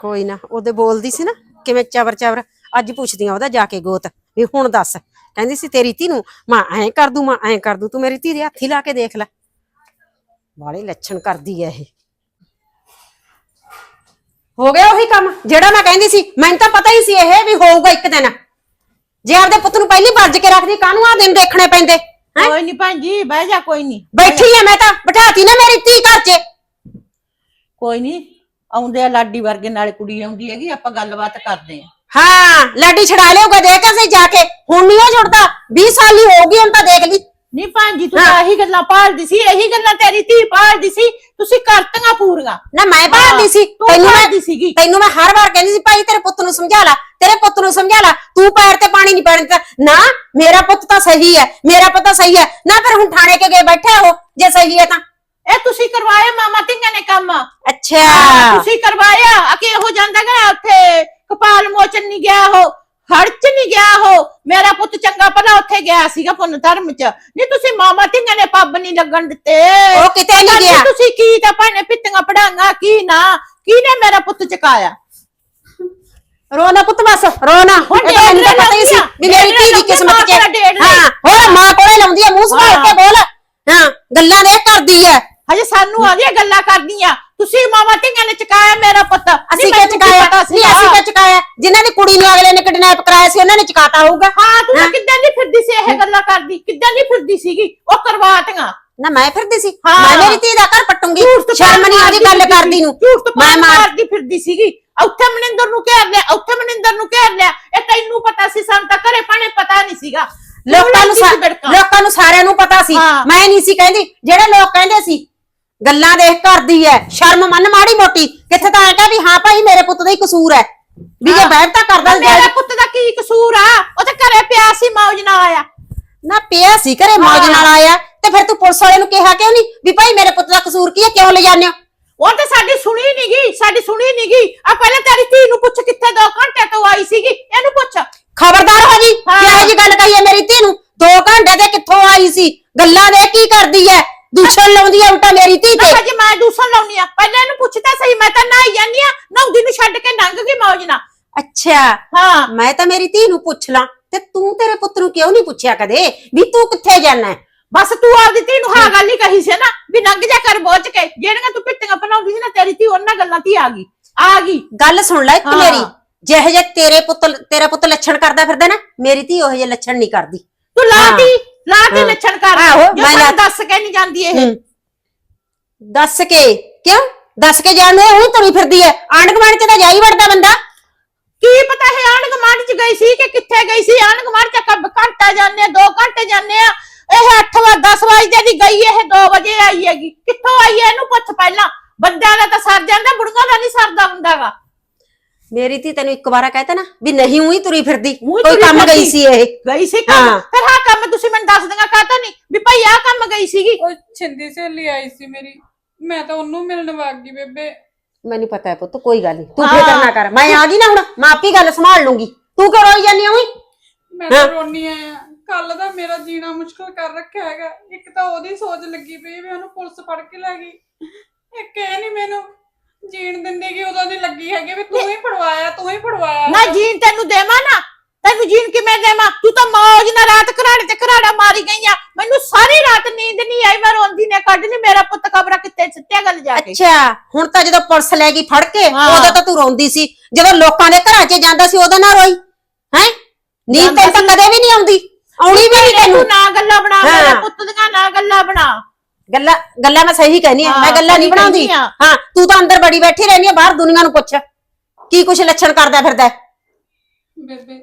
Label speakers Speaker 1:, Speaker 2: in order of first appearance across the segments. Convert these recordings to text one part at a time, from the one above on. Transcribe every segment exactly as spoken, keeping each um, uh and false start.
Speaker 1: ਕੋਈ ਨਾ ਉਹਦੇ ਬੋਲਦੀ ਸੀ ਨਾ ਕਿਵੇਂ ਚਵਰ ਚਵਰ ਅੱਜ ਪੁੱਛਦੀ ਆ ਉਹਦਾ ਜਾ ਕੇ ਗੋਤ ਵੀ ਹੁਣ ਦੱਸ ਕਹਿੰਦੀ ਸੀ ਤੇਰੀ ਧੀ ਨੂੰ ਮੈਂ ਐਂ ਕਰ ਦੂੰ ਮੈਂ ਐਂ ਕਰ ਦੂੰ ਤੂੰ ਮੇਰੀ ਧੀ ਦੇ ਹੱਥੀ ਲਾ ਕੇ ਦੇਖ ਲੈ ਬਾਲੇ ਲੱਛਣ ਕਰਦੀ ਐ ਇਹ ਹੋ ਗਿਆ ਉਹੀ ਕੰਮ ਜਿਹੜਾ ਮੈਂ ਕਹਿੰਦੀ ਸੀ ਮੈਨੂੰ ਤਾਂ ਪਤਾ ਹੀ ਸੀ ਇਹ ਵੀ ਹੋਊਗਾ ਇੱਕ ਦਿਨ ਜੇ ਆਪਦੇ ਪੁੱਤ ਨੂੰ ਪਹਿਲੀ ਵਰਜ ਕੇ ਰੱਖਦੀ ਕਾਹਨੂੰ ਆ ਦਿਨ ਦੇਖਣੇ ਪੈਂਦੇ
Speaker 2: ਕੋਈ ਨਹੀਂ ਭੈਣ ਜੀ ਬਹਿ ਜਾ ਕੋਈ ਨਹੀਂ
Speaker 1: ਬੈਠੀ ਆ ਮੈਂ ਤਾਂ ਬਿਠਾਤੀ ਨਾ ਮੇਰੀ ਧੀ ਘਰ 'ਚ
Speaker 2: ਕੋਈ ਨਹੀਂ ਆਉਂਦੇ ਆ ਲਾਡੀ ਵਰਗੇ ਨਾਲੇ ਕੁੜੀ ਆਉਂਦੀ ਹੈਗੀ ਆਪਾਂ ਗੱਲਬਾਤ ਕਰਦੇ ਆ
Speaker 1: ਹਾਂ ਲਾਡੀ ਛੜਾ ਲਿਓਗਾ ਦੇਖ ਅਸੀਂ ਜਾ ਕੇ ਹੁਣ ਨਹੀਂ ਉਹ ਜੁੜਦਾ ਵੀਹ ਸਾਲ ਹੀ ਹੋ ਗਈ ਹੁਣ ਤਾਂ ਦੇਖ ਲਈ
Speaker 2: ਨਹੀਂ ਭੈਣ ਜੀ ਤੂੰ ਤਾਂ ਇਹੀ ਗੱਲਾਂ ਭਾਲਦੀ ਸੀ ਇਹੀ ਗੱਲਾਂ ਤੇਰੀ ਧੀ ਭਾਲਦੀ ਸੀ ਤੁਸੀਂ ਕਰਤੀਆਂ ਪੂਰੀਆਂ
Speaker 1: ਨਾ ਮੈਂ ਭਾਲਦੀ ਸੀ
Speaker 2: ਤੈਨੂੰ ਭਾਲਦੀ ਸੀਗੀ
Speaker 1: ਤੈਨੂੰ ਮੈਂ ਹਰ ਵਾਰ ਕਹਿੰਦੀ ਸੀ ਭਾਈ ਤੇਰੇ ਪੁੱਤ ਨੂੰ ਸਮਝਾ ਲੈ ਤੇਰੇ ਪੁੱਤ ਨੂੰ ਸਮਝਾ ਲੈ ਤੂੰ ਪੈਰ ਤੇ ਪਾਣੀ ਨਹੀਂ ਪੈਣ ਦਿੱਤਾ ਨਾ ਮੇਰਾ ਪੁੱਤ ਤਾਂ ਸਹੀ ਹੈ ਮੇਰਾ ਪੁੱਤ ਸਹੀ ਹੈ ਨਾ ਫਿਰ ਹੁਣ ਥਾਣੇ ਕੇ ਗਏ ਬੈਠੇ ਹੋ ਜੇ ਸਹੀ ਹੈ ਤਾਂ
Speaker 2: ਇਹ ਤੁਸੀਂ ਕਰਵਾਇਆ ਮਾਮਾ ਧੀਆਂ ਨੇ ਕੰਮ
Speaker 1: ਅੱਛਾ
Speaker 2: ਤੁਸੀਂ ਕਰਵਾਇਆ ਆ ਕਿ ਇਹੋ ਜਾਂਦਾ ਗਾ ਉੱਥੇ ਕਪਾਲ ਮੋਚਨ ਨਹੀਂ ਗਿਆ ਉਹ ਹੜ ਚ ਨਹੀਂ ਗਿਆ ਉਹ ਮੇਰਾ ਪੁੱਤ ਚੰਗਾ ਭਲਾ ਉੱਥੇ ਗਿਆ ਸੀਗਾ ਪੁੰਨ ਧਰਮ ਚ ਨਹੀਂ ਤੁਸੀਂ ਮਾਮਾ ਧੀਆਂ ਨੇ ਪੱਬ ਨਹੀਂ ਲੱਗਣ ਦਿੱਤੇ
Speaker 1: ਉਹ ਕਿਤੇ ਨਹੀਂ ਗਿਆ
Speaker 2: ਤੁਸੀਂ ਕੀ ਤਾਂ ਭਾਣੇ ਪਿੱਤੀਆਂ ਪੜਾਂਗਾ ਕੀ ਨਾ ਕਿਹਨੇ ਮੇਰਾ ਪੁੱਤ ਚਕਾਇਆ
Speaker 1: ਰੋਣਾ ਪੁੱਤ ਬਸ ਰੋਣਾ ਮੈਨੂੰ ਤਾਂ ਪਤਾ ਹੀ ਸੀ ਵੀ ਮੇਰੀ ਧੀ ਦੀ ਕਿਸਮਤ ਚ ਹਾਂ ਹੋਰ ਮਾਂ ਕੋਲੇ ਲਾਉਂਦੀ ਆ ਮੂੰਹ ਸੰਭਾਲ ਕੇ ਬੋਲ ਹਾਂ ਗੱਲਾਂ ਦੇ ਕਰਦੀ ਐ
Speaker 2: ਹਜੇ ਸਾਨੂੰ ਆ ਗਈਆਂ ਗੱਲਾਂ ਕਰਦੀਆਂ ਤੁਸੀਂ ਮਾਮਾ ਧੀਆਂ ਨੇ ਚਕਾਇਆ ਮੇਰਾ ਪੁੱਤ
Speaker 1: ਅਸੀਂ ਕਿ ਚਕਾਇਆ ਨਹੀਂ ਅਸੀਂ ਕਿ ਚਕਾਇਆ ਜਿਨ੍ਹਾਂ ਦੀ ਕੁੜੀ ਨੂੰ ਅਗਲੇ ਨੇ ਕਿਡਨੈਪ ਕਰਾਇਆ ਸੀ ਉਹਨਾਂ ਨੇ ਚਕਾਤਾ ਹੋਊਗਾ
Speaker 2: ਹਾਂ ਤੂੰ ਕਿੱਦਾਂ ਨਹੀਂ ਫਿਰਦੀ ਸੀ ਇਹ ਗੱਲਾਂ ਕਰਦੀ ਕਿੱਦਾਂ ਨਹੀਂ ਫਿਰਦੀ ਸੀਗੀ ਉਹ ਕਰਵਾਤੀਆਂ
Speaker 1: ਨਾ ਮੈਂ ਫਿਰਦੀ ਸੀ ਮੈਂ ਮੇਰੀ ਧੀ ਦਾ ਘਰ ਪਟੂੰਗੀ ਸ਼ਰਮ ਨਹੀਂ ਆਦੀ ਗੱਲ ਕਰਦੀ ਨੂੰ
Speaker 2: ਮੈਂ ਮਾਰਦੀ ਫਿਰਦੀ ਸੀਗੀ ਉੱਥੇ ਮਨਿੰਦਰ ਨੂੰ ਘੇਰ ਲਿਆ ਉੱਥੇ ਮਨਿੰਦਰ ਨੂੰ ਘੇਰ ਲਿਆ ਇਹ ਤੈਨੂੰ ਪਤਾ ਸੀ ਸਾਨੂੰ ਤਾਂ ਘਰੇ ਪਾਣੇ ਪਤਾ ਨਹੀਂ ਸੀਗਾ
Speaker 1: ਲੋਕਾਂ ਨੂੰ ਲੋਕਾਂ ਨੂੰ ਸਾਰਿਆਂ ਨੂੰ ਪਤਾ ਸੀ ਮੈਂ ਨਹੀਂ ਸੀ ਕਹਿੰਦੀ ਜਿਹੜੇ ਲੋਕ ਕਹਿੰਦੇ ਸੀ ਗੱਲਾਂ ਦੇਖ ਕਰਦੀ ਐ ਸ਼ਰਮ ਮੰਨ ਮਾੜੀ ਮੋਟੀ ਕਿੱਥੇ ਤਾਂ ਐ ਕਹ ਵੀ ਹਾਂ ਭਾਈ ਮੇਰੇ ਪੁੱਤ ਦਾ ਹੀ ਕਸੂਰ ਐ ਵੀ ਜੇ ਬਹਿਰ ਤਾਂ ਕਰਦਾ
Speaker 2: ਮੇਰੇ ਪੁੱਤ ਦਾ ਕੀ ਕਸੂਰ ਆ ਉਹ ਤਾਂ ਘਰੇ ਪਿਆ ਸੀ ਮੌਜ ਨਾਲ ਆਇਆ
Speaker 1: ਨਾ ਪਿਆ ਸੀ ਘਰੇ ਮੌਜ ਨਾਲ ਆਇਆ ਤੇ ਫਿਰ ਤੂੰ ਪੁਲਿਸ ਵਾਲੇ ਨੂੰ ਕਿਹਾ ਕਿਉਂ ਨਹੀਂ ਵੀ ਭਾਈ ਮੇਰੇ ਪੁੱਤ ਦਾ ਕਸੂਰ ਕੀ ਐ ਕਿਉਂ ਲੈ ਜਾਂਦੇ ਹੋ
Speaker 2: ਉਹ ਤਾਂ ਸਾਡੀ ਸੁਣੀ ਨੀ ਗਈ ਸਾਡੀ ਸੁਣੀ ਨੀ ਗਈ ਆ ਪਹਿਲਾਂ ਤੇਰੀ ਧੀ ਨੂੰ ਪੁੱਛ ਕਿੱਥੇ ਦੋ ਘੰਟੇ ਤੋਂ ਆਈ ਸੀਗੀ ਇਹਨੂੰ ਪੁੱਛ
Speaker 1: ਖਬਰਦਾਰ ਹੋ ਜੀ ਕਿਹੋ ਜੀ ਗੱਲ ਕਹੀ ਐ ਮੇਰੀ ਧੀ ਨੂੰ ਦੋ ਘੰਟੇ ਦੇ ਕਿੱਥੋਂ ਆਈ ਸੀ ਗੱਲਾਂ ਦੇ ਕੀ ਕਰਦੀ ਐ ਦੂਸ਼ਣ ਲਾਉਂਦੀ ਐ ਉਲਟਾ ਮੇਰੀ ਧੀ ਤੇ
Speaker 2: ਅੱਜ ਮੈਂ ਦੂਸ਼ਣ ਲਾਉਣੀ ਆ ਪਹਿਲਾਂ ਇਹਨੂੰ ਪੁੱਛਦਾ ਸਹੀ ਮੈਂ ਤਾਂ ਨਹਾਈ ਜਾਂਦੀ ਆ ਨਹਾਉਂਦੀ ਨੂੰ ਛੱਡ ਕੇ ਲੰਘ ਗਈ ਮੌਜ ਨਾਲ
Speaker 1: ਅੱਛਾ
Speaker 2: ਹਾਂ
Speaker 1: ਮੈਂ ਤਾਂ ਮੇਰੀ ਧੀ ਨੂੰ ਪੁੱਛ ਲਾਂ ਤੇ ਤੂੰ ਤੇਰੇ ਪੁੱਤ ਨੂੰ ਕਿਉਂ ਨਹੀਂ ਪੁੱਛਿਆ ਕਦੇ ਵੀ ਤੂੰ ਕਿੱਥੇ ਜਾਣਾ
Speaker 2: ਬਸ ਤੂੰ ਆਪਦੀ ਧੀ ਨੂੰ ਹਾਂ ਗੱਲ ਹੀ ਕਹੀ ਸੀ ਨਾ ਵੀ ਲੰਘ ਜਾ ਕਰ ਬੋਝ ਕੇ ਜਿਹੜੀਆਂ ਤੂੰ ਪਿੱਟੀਆਂ ਬਣਾਉਂਦੀ ਸੀ ਨਾ ਤੇਰੀ ਧੀ ਉਹਨਾਂ ਗੱਲਾਂ ਧੀ ਆ ਗਈ ਆ ਗਈ
Speaker 1: ਗੱਲ ਸੁਣ ਲੈ ਇੱਕ ਮੇਰੀ ਜਿਹੇ ਜੇ ਤੇਰੇ ਪੁੱਤ ਤੇਰਾ ਪੁੱਤ ਲੱਛਣ ਕਰਦਾ ਫਿਰਦਾ ਨਾ ਮੇਰੀ ਧੀ ਉਹੋ ਜਿਹੇ ਲੱਛਣ ਨਹੀਂ ਕਰਦੀ
Speaker 2: ਤੂੰ ਲਾਤੀ ਲਾਤੀ ਲੱਛਣ ਕਰ ਮੈਂ ਦੱਸ ਕੇ ਨਹੀਂ ਜਾਂਦੀ ਇਹ
Speaker 1: ਦੱਸ ਕੇ ਕਿਉਂ ਦੱਸ ਕੇ ਜਾਣ ਨੂੰ ਉਹ ਤੁਰੀ ਫਿਰਦੀ ਐ ਆਂਢ ਗੁਆਂਢ ਚ ਤਾਂ ਜਾਈ ਵੜਦਾ ਬੰਦਾ
Speaker 2: ਕੀ ਪਤਾ ਹੈ ਆਂਢ ਗੁਆਂਢ ਚ ਗਈ ਸੀ ਕਿ ਕਿੱਥੇ ਗਈ ਸੀ ਆਂਢ ਗੁਆਂਢ ਚ ਕਬ ਘੰਟਾ ਜਾਂਦੇ ਦੋ ਘੰਟੇ ਜਾਂਦੇ ਆ ਇਹ ਅੱਠ ਵਜੇ ਦਸ ਵਜੇ ਦੀ ਗਈ ਇਹ ਦੋ ਵਜੇ ਆਈ ਹੈਗੀ ਕਿੱਥੋਂ ਆਈ ਹੈ ਇਹਨੂੰ ਪੁੱਛ ਪਹਿਲਾਂ ਬੰਦਿਆਂ ਦਾ ਤਾਂ ਸਰ ਜਾਂਦਾ ਬੁੜੀਆਂ ਦਾ ਨਹੀਂ ਸਰਦਾ ਹੁੰਦਾਗਾ
Speaker 1: ਮੇਰੀ ਧੀ ਤੈਨੂੰ ਇੱਕ ਵਾਰਾ ਕਹਿਤਾ ਨਾ ਵੀ ਨਹੀਂ ਉਹੀ ਤੁਰੀ ਫਿਰਦੀ ਕੋਈ ਕੰਮ ਗਈ ਸੀ ਇਹ
Speaker 2: ਗਈ ਸੀ ਕੰਮ ਫਿਰ ਹਾਂ ਕੰਮ ਤੁਸੀਂ ਮੈਨੂੰ ਦੱਸ ਦਿੰਗਾ ਕਹਤਾ ਨਹੀਂ ਵੀ ਭਾਈ ਆਹ ਕੰਮ ਗਈ ਸੀਗੀ
Speaker 3: ਉਹ ਛਿੰਦੀ ਸਹੇਲੀ ਆਈ ਸੀ ਮੇਰੀ ਮੈਂ ਤਾਂ ਉਹਨੂੰ ਮਿਲਣ ਵਗ ਗਈ ਬੇਬੇ
Speaker 1: ਮੈਨੂੰ ਪਤਾ ਹੈ ਪੁੱਤ ਕੋਈ ਗੱਲ ਨਹੀਂ ਤੂੰ ਫਿਕਰ ਨਾ ਕਰ ਮੈਂ ਆ ਗਈ ਨਾ ਹੁਣ ਮੈਂ ਆਪੀ ਗੱਲ ਸੰਭਾਲ ਲੂੰਗੀ ਤੂੰ ਕਿਉਂ ਰੋਈ ਜਾਂਦੀ ਹੋਈ
Speaker 3: ਮੈਂ ਤਾਂ ਰੋਣੀ ਆ ਕੱਲ ਦਾ ਮੇਰਾ ਜੀਣਾ ਮੁਸ਼ਕਲ ਕਰ ਰੱਖਿਆ ਹੈਗਾ ਇੱਕ ਤਾਂ ਉਹਦੀ ਸੋਚ ਲੱਗੀ ਪਈ ਵੀ ਉਹਨੂੰ ਪੁਲਿਸ ਫੜ ਕੇ ਲੈ ਗਈ ਇੱਕ ਇਹ ਨਹੀਂ ਮੈਨੂੰ ਜੀਣ ਦਿੰਦੇ ਕਿ ਉਦੋਂ ਦੀ ਲੱਗੀ ਹੈਗੀ ਵੀ ਤੂੰ ਹੀ ਫੜਵਾਇਆ ਤੂੰ ਹੀ ਫੜਵਾਇਆ
Speaker 2: ਨਾ ਜੀਣ ਤੈਨੂੰ ਦੇਵਾਂ ਨਾ ਤੈਨੂੰ ਜੀਣ ਕਿਵੇਂ ਦੇਵਾਂ ਤੂੰ ਤਾਂ ਮੌਜ ਨਾਲ ਰਾਤ ਘਰਾੜੇ ਤੇ ਘਰਾੜਾ ਮਾਰੀ ਗਈ ਆ ਮੈਨੂੰ ਸਾਰੀ ਰਾਤ ਨੀਂਦ ਨਹੀਂ ਆਈ ਮੈਂ ਰੋਂਦੀ ਨੇ ਕੱਢ ਲਈ ਮੇਰਾ ਪੁੱਤ ਕਬਰਾਂ ਕਿੱਥੇ ਸਿੱਟਿਆ ਗੱਲ ਜਾ ਕੇ
Speaker 1: ਅੱਛਾ ਹੁਣ ਤਾਂ ਜਦੋਂ ਪੁਲਿਸ ਲੈ ਗਈ ਫੜ ਕੇ ਉਦੋਂ ਤਾਂ ਤੂੰ ਰੋਂਦੀ ਸੀ ਜਦੋਂ ਲੋਕਾਂ ਦੇ ਘਰਾਂ 'ਚ ਜਾਂਦਾ ਸੀ ਉਦੋਂ ਨਾ ਰੋਈ ਹੈ ਨੀਂਦ ਤੈਨੂੰ ਤਾਂ ਕਦੇ ਵੀ ਨਹੀਂ ਆਉਂਦੀ ਆਉਣੀ ਵੀ ਨਹੀਂ ਤੈਨੂੰ
Speaker 2: ਨਾ ਗੱਲਾਂ ਬਣਾ ਮੇਰਾ ਪੁੱਤ ਦੀਆਂ ਨਾ ਗੱਲਾਂ ਬਣਾ
Speaker 1: ਗੱਲਾਂ ਗੱਲਾਂ ਮੈਂ ਸਹੀ ਕਹਿਨੀ ਆ ਮੈਂ ਗੱਲਾਂ ਨਹੀਂ ਬਣਾਉਂਦੀ ਹਾਂ ਤੂੰ ਤਾਂ ਅੰਦਰ ਬੜੀ ਬੈਠੀ ਰਹਿੰਦੀ ਆ ਬਾਹਰ ਦੁਨੀਆ ਨੂੰ ਪੁੱਛ ਕੀ ਕੁਛ ਲੱਛਣ ਕਰਦਾ ਫਿਰਦਾ
Speaker 3: ਬੇਬੇ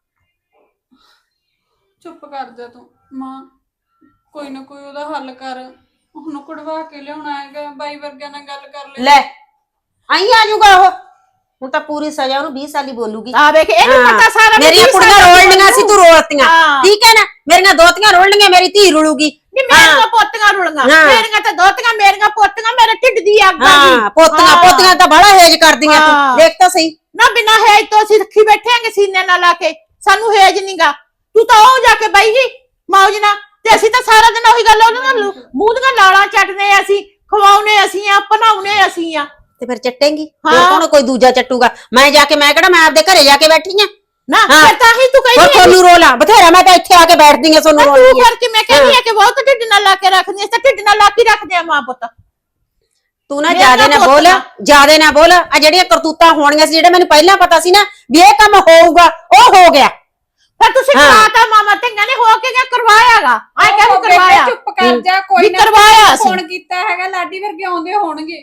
Speaker 3: ਚੁੱਪ ਕਰ ਜਾ ਤੂੰ ਮਾਂ ਕੋਈ ਨਾ ਕੋਈ ਉਹਦਾ ਹੱਲ ਕਰ ਉਹਨੂੰ ਕਢਵਾ ਕੇ ਲਿਆਉਣਾ ਹੈਗਾ ਬਾਈ ਵਰਗਿਆਂ ਨਾਲ ਗੱਲ ਕਰ ਲੈ
Speaker 1: ਲੈ ਆਈ ਆ ਜਾਊਗਾ ਉਹ ਹੁਣ ਤਾਂ ਪੂਰੀ ਸਜ਼ਾ ਉਹਨੂੰ ਵੀਹ ਸਾਲ ਹੀ ਬੋਲੂਗੀ
Speaker 2: ਆ ਵੇਖ ਇਹਨੂੰ ਪਤਾ ਸਾਰਾ
Speaker 1: ਮੇਰੀਆਂ ਕੁੜੀਆਂ ਰੋਲਣੀਆਂ ਸੀ ਤੂੰ ਰੋਲਤੀਆਂ ਠੀਕ ਹੈ ਨਾ ਮੇਰੀਆਂ ਦੋਤੀਆਂ ਰੋਲਣੀਆਂ ਮੇਰੀ ਧੀ ਰੁਲੂਗੀ
Speaker 2: ਨੀ ਮੇਰੀਆਂ ਪੋਤੀਆਂ ਰੁਲਣੀਆਂ ਮੇਰੀਆਂ ਤਾਂ ਦੋਤੀਆਂ ਮੇਰੀਆਂ ਪੋਤੀਆਂ ਮੇਰੇ ਢਿੱਡ ਦੀ ਅੱਗ ਆ ਗਈ
Speaker 1: ਹਾਂ ਪੋਤੀਆਂ ਪੋਤੀਆਂ ਤਾਂ ਬੜਾ ਹੇਜ ਕਰਦੀਆਂ ਤੂੰ ਦੇਖ ਤਾਂ ਸਹੀ
Speaker 2: ਨਾ ਬਿਨਾ ਹੇਜ ਤੋਂ ਅਸੀਂ ਰੱਖੀ ਬੈਠੇ ਆਂਗੇ ਸੀਨੇ ਨਾਲ ਲਾ ਕੇ ਸਾਨੂੰ ਹੇਜ ਨਹੀਂਗਾ ਤੂੰ ਤਾਂ ਉਹ ਜਾ ਕੇ ਬਈ ਜੀ ਮੌਜ ਨਾਲ ਤੇ ਅਸੀਂ ਤਾਂ ਸਾਰਾ ਦਿਨ ਉਹੀ ਗੱਲ ਉਹਨਾਂ ਨਾਲ ਮੂੰਹ ਦੀਆਂ ਲਾਲਾਂ ਚੱਟਦੇ ਅਸੀਂ ਖਵਾਉਣੇ ਅਸੀਂ ਆ ਬਣਾਉਣੇ ਅਸੀਂ ਆ
Speaker 1: ਤੇ ਫਿਰ ਚੱਟੇਂਗੀ
Speaker 2: ਹਾਂ।
Speaker 1: ਹੋਰ ਕੌਣ ਕੋਈ ਦੂਜਾ ਚੱਟੂਗਾ ਮੈਂ ਜਾ ਕੇ ਮੈਂ ਕਿਹੜਾ ਮੈਂ ਆਪਦੇ ਘਰੇ ਜਾ ਕੇ ਬੈਠੀ ਆ
Speaker 2: ਨਾ
Speaker 1: ਹਾਂ।
Speaker 2: ਫਿਰ ਤਾਂ ਹੀ ਤੂੰ
Speaker 1: ਹੋਰ
Speaker 2: ਕਹਿੰਦੀ
Speaker 1: ਤੁਹਾਨੂੰ ਰੋਲਾ ਬਥੇਰਾ ਮੈਂ ਤਾਂ ਇੱਥੇ ਆ ਕੇ ਬੈਠਦੀ ਆ ਤੁਹਾਨੂੰ
Speaker 2: ਤੂੰ
Speaker 1: ਰੋਲੀ
Speaker 2: ਕਰਕੇ ਮੈਂ ਕਹਿੰਦੀ ਆ ਕਿ ਬਹੁਤ ਢਿੱਡ ਨਾਲ ਲਾ ਕੇ ਰੱਖਦੀ ਐ ਤਾਂ ਢਿੱਡ ਨਾਲ ਲਾ ਕੇ ਰੱਖਦੇ ਆ ਮਾਂ ਪੁੱਤ
Speaker 1: ਤੂੰ ਨਾ
Speaker 2: ਮੇਰਾ
Speaker 1: ਜਿਆਦੇ ਨਾ
Speaker 2: ਪੁੱਤ
Speaker 1: ਬੋਲ
Speaker 2: ਨਾ।
Speaker 1: ਜਿਆਦੇ ਨਾ ਬੋਲ ਆ ਜਿਹੜੀਆਂ ਕਰਤੂਤਾਂ ਹੋਣੀਆਂ ਸੀ ਜਿਹੜੇ ਮੈਨੂੰ ਪਹਿਲਾਂ ਪਤਾ ਸੀ ਨਾ ਵੀ ਇਹ ਕੰਮ ਹੋਊਗਾ ਉਹ ਹੋ ਗਿਆ
Speaker 2: ਫਿਰ ਤੁਸੀਂ
Speaker 1: ਹਾਂ।
Speaker 2: ਕਰਾਤਾ ਮਾਮਾ ਧੀਆਂ ਨੇ ਹੋ ਕੇ ਕਿਆ ਕਰਵਾਇਆਗਾ ਆ ਕਿਆ
Speaker 3: ਉਹ ਬੇਬੇ
Speaker 2: ਕਰਵਾਇਆ
Speaker 3: ਚੁੱਪ ਕਰ ਜਾ ਕੋਈ
Speaker 2: ਵੀ
Speaker 3: ਨਾ
Speaker 2: ਕਰਵਾਇਆ ਸੀ।
Speaker 3: ਫੋਨ ਕੀਤਾ ਹੈਗਾ ਲਾਡੀ ਵਰਗੇ ਆਉਂਦੇ ਹੋਣਗੇ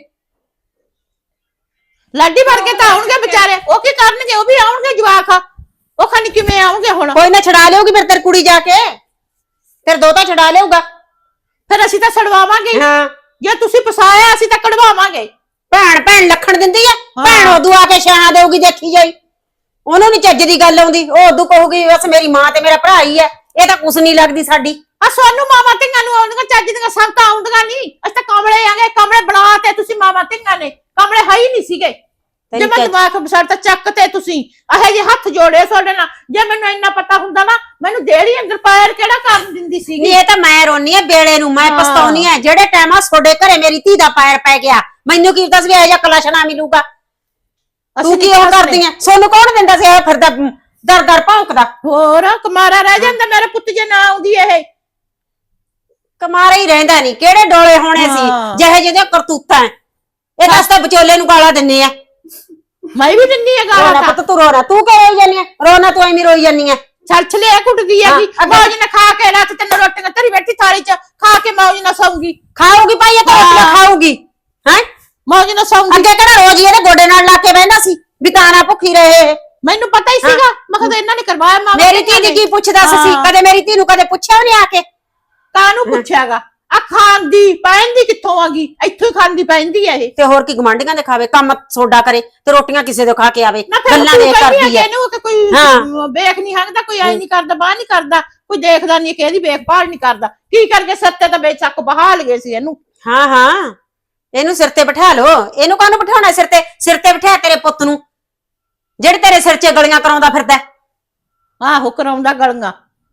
Speaker 2: ਲਾਡੀ ਵਰਗੇ ਤਾਂ ਆਉਣਗੇ ਵਿਚਾਰੇ ਉਹ ਕੀ ਕਰਨਗੇ ਉਹ ਵੀ ਆਉਣਗੇ ਜਵਾਕ ਉਹ ਖਾਨੀ ਕਿਵੇਂ ਆਉਣਗੇ ਹੁਣ
Speaker 1: ਕੋਈ ਨਾ ਛਡਾ ਲਿਓਗੀ ਫਿਰ ਤੇਰੀ ਕੁੜੀ ਜਾ ਕੇ ਫਿਰ ਦੋ ਤਾਂ ਛਡਾ ਲਿਓਗਾ
Speaker 2: ਫਿਰ ਅਸੀਂ ਤਾਂ ਛਡਵਾਵਾਂਗੇ
Speaker 1: ਹਾਂ
Speaker 2: ਜੇ ਤੁਸੀਂ ਫਸਾਇਆ ਅਸੀਂ ਤਾਂ ਕਢਵਾਵਾਂਗੇ
Speaker 1: ਭੈਣ ਭੈਣ ਲੱਖਣ ਦਿੰਦੀ ਆ
Speaker 2: ਹਾਂ।
Speaker 1: ਭੈਣ ਉਦੋਂ ਆ ਕੇ ਛਾਂ ਦੇਊਗੀ ਦੇਖੀ ਜਾਈ ਉਹਨੂੰ ਨੀ ਚੱਜ ਦੀ ਗੱਲ ਆਉਂਦੀ ਉਹ ਉਦੋਂ ਕਹੂਗੀ ਬਸ ਮੇਰੀ ਮਾਂ ਤੇ ਮੇਰਾ ਭਰਾ ਹੀ ਆ ਇਹ ਤਾਂ ਕੁਛ ਨਹੀਂ ਲੱਗਦੀ ਸਾਡੀ
Speaker 2: ਆ ਸੋਨੂੰ ਮਾਮਾ ਧੀਆਂ ਨੂੰ ਆਉਂਦੀਆਂ ਚੱਜ ਦੀਆਂ ਸਭ ਤਾਂ ਆਉਂਦੀਆਂ ਨਹੀਂ ਅਸੀਂ ਤਾਂ ਕਮਲੇ ਆਂਗੇ ਕਮਲੇ ਬਣਾ ਤੇ ਤੁਸੀਂ ਮਾਮਾ ਧੀਆਂ ਨੇ ਕਮਲੇ ਹੈ ਹੀ ਨਹੀਂ ਸੀਗੇ ਜੇ
Speaker 1: ਤੈਨੂੰ
Speaker 2: ਮੈਂ
Speaker 1: ਚੱਜ-
Speaker 2: ਦਿਮਾਗ ਬਸਰ ਤਾਂ ਚੱਕ ਤੇ ਤੁਸੀਂ ਇਹੋ ਜਿਹੇ ਹੱਥ ਜੋੜੇ ਤੁਹਾਡੇ ਨਾਲ ਜੇ ਮੈਨੂੰ ਇੰਨਾ ਪਤਾ ਹੁੰਦਾ ਨਾ ਮੈਨੂੰ ਦੇੜੀ ਅੰਦਰ ਪੈਰ ਕਿਹੜਾ ਕਰਨ ਦਿੰਦੀ
Speaker 1: ਨਹੀਂ
Speaker 2: ਸੀਗੀ
Speaker 1: ਇਹ ਤਾਂ ਮੈਂ ਰੋਨੀ ਆ ਬੇੜੇ ਨੂੰ ਮੈਂ
Speaker 2: ਹਾਂ।
Speaker 1: ਪਛਤਾਉਣੀ ਆ ਜਿਹੜੇ ਟਾਈਮ ਆ ਤੁਹਾਡੇ ਘਰੇ ਮੇਰੀ ਧੀ ਦਾ ਪੈਰ ਪੈ ਗਿਆ ਮੈਨੂੰ ਕੀ ਪਤਾ ਸੀ ਵੀ ਇਹ ਜਿਹਾ ਕਲਸ਼ਣਾ ਮਿਲੂਗਾ ਤੂੰ ਕੀ ਉਹ ਕਰਦੀ ਆ ਸੋਨੂੰ ਕੌਣ ਦਿੰਦਾ ਸੀ ਇਹ ਫਿਰਦਾ ਦਰ ਦਰ ਭੌਂਕਦਾ
Speaker 2: ਹੋਰ ਕਮਾਰਾ ਰਹਿ ਜਾਂਦਾ ਮੇਰਾ ਪੁੱਤ ਜੇ ਨਾ ਆਉਂਦੀ ਇਹ
Speaker 1: ਕਮਾਰਾ ਹੀ ਰਹਿੰਦਾ ਨਹੀਂ ਕਿਹੜੇ ਡੋਲੇ ਹੋਣੇ ਸੀ
Speaker 2: ਹਾਂ।
Speaker 1: ਜਿਹੇ ਜਿਹੇ ਕਰਤੂਤਾਂ ਐ। ਇਹ ਦੱਸ ਤਾਂ ਵਿਚੋਲੇ ਨੂੰ ਗਾਲਾਂ ਦਿੰਨੇ ਆ
Speaker 2: ਮੈਂ ਵੀ ਦਿੰਨੀ ਆ
Speaker 1: ਰੋਣਾ
Speaker 2: ਗਾਲਾਂ
Speaker 1: ਪੁੱਤ ਤੂੰ ਰੋਣਾ ਤੂੰ ਕਿਉਂ ਰੋਈ ਜਾਨੀ ਆ ਰੋਣਾ ਤੂੰ ਐਵੇਂ ਰੋਈ ਜਾਨੀ ਆ
Speaker 2: ਛਲਛਲੇ ਕੁੱਟਦੀ
Speaker 1: ਹਾਂ,
Speaker 2: ਹੈਗੀ
Speaker 1: ਅੱਗੇ-
Speaker 2: ਮੌਜ ਨਾਲ ਖਾ ਕੇ ਰਾਤ ਤਿੰਨ ਰੋਟੀਆਂ ਧਰੀ ਬੈਠੀ ਥਾਲੀ 'ਚ ਖਾ ਕੇ ਮੌਜ ਨਾਲ ਸੌਂਗੀ
Speaker 1: ਖਾਊਗੀ ਭਾਈ ਇਹ ਤਾਂ ਰੋਟੀਆਂ
Speaker 2: ਹਾਂ।
Speaker 1: ਖਾਊਗੀ ਹੈ
Speaker 2: ਮੌਜ ਨਾਲ ਸੌਂਗੀ
Speaker 1: ਅੱਗੇ ਕਿਹੜਾ ਰੋਜ਼ ਹੀ ਇਹਦੇ ਗੋਡੇ ਨਾਲ ਲਾ ਕੇ ਬਹਿੰਦਾ ਸੀ ਵੀ ਤਾਂ ਨਾ ਭੁੱਖੀ ਰਹੇ ਇਹ।
Speaker 2: ਮੈਨੂੰ ਪਤਾ ਹੀ ਸੀਗਾ ਮੈਂ ਕਿਹਾ ਇਹਨਾਂ ਨੇ ਕਰਵਾਇਆ ਮਾਮਾ
Speaker 1: ਮੇਰੀ ਧੀ ਦੀ ਕੀ ਪੁੱਛਦਾ ਸੀ
Speaker 2: ਹਾਂ।
Speaker 1: ਕਦੇ ਮੇਰੀ ਧੀ ਨੂੰ ਕਦੇ ਪੁੱਛਿਆ ਉਹਨੇ ਆ ਕੇ
Speaker 2: ਕਾਹਨੂੰ ਪੁੱਛਿਆਗਾ ਆ ਖਾਂਦੀ ਪੈਂਦੀ ਕਿੱਥੋਂ ਆਗੀ ਇੱਥੋਂ ਹੀ ਖਾਂਦੀ ਪੈਂਦੀ ਆ ਇਹ
Speaker 1: ਤੇ ਹੋਰ ਕੀ ਗਵਾਂਢੀਆਂ ਦੇ ਖਾਵੇ ਕੰਮ ਸੋਡਾ ਕਰੇ ਤੇ ਰੋਟੀਆਂ ਕਿਸੇ ਦੇ ਖਾ ਕੇ ਆਵੇ
Speaker 2: ਨਾ ਫਿਰ
Speaker 1: ਗੱਲਾਂ
Speaker 2: ਤੂੰ
Speaker 1: ਦੇ
Speaker 2: ਕਹਿੰਦੀ
Speaker 1: ਕਰਦੀ
Speaker 2: ਆ
Speaker 1: ਐ
Speaker 2: ਕਿ ਇਹਨੂੰ ਕਿ ਕੋਈ
Speaker 1: ਹਾਂ।
Speaker 2: ਵੇਖ ਨਹੀਂ ਹੱਕਦਾ ਕੋਈ ਐ ਨਹੀਂ ਕਰਦਾ ਬਾਹ ਨਹੀਂ ਕਰਦਾ ਕੋਈ ਦੇਖਦਾ ਨਹੀਂ ਕਿ ਇਹਦੀ ਵੇਖਭਾਲ ਨਹੀਂ ਕਰਦਾ ਕੀ ਕਰਕੇ ਸੱਤੇ ਤਾਂ ਬੇਚੱਕ ਬਹਾ ਲਗੇ ਸੀ ਇਹਨੂੰ
Speaker 1: ਹਾਂ ਹਾਂ ਇਹਨੂੰ ਸਿਰ ਤੇ ਬਿਠਾ ਲੋ ਇਹਨੂੰ ਕਾਹਨੂੰ ਬਿਠਾਉਣਾ ਸਿਰ ਤੇ ਸਿਰ ਤੇ ਬਿਠਾ ਤੇਰੇ ਪੁੱਤ ਨੂੰ ਜਿਹੜੇ ਤੇਰੇ ਸਿਰ 'ਚ ਗਲੀਆਂ ਕਰਾਉਂਦਾ ਫਿਰਦਾ
Speaker 2: ਆਹੋ ਕਰਾਉਂਦਾ ਗਲੀਆਂ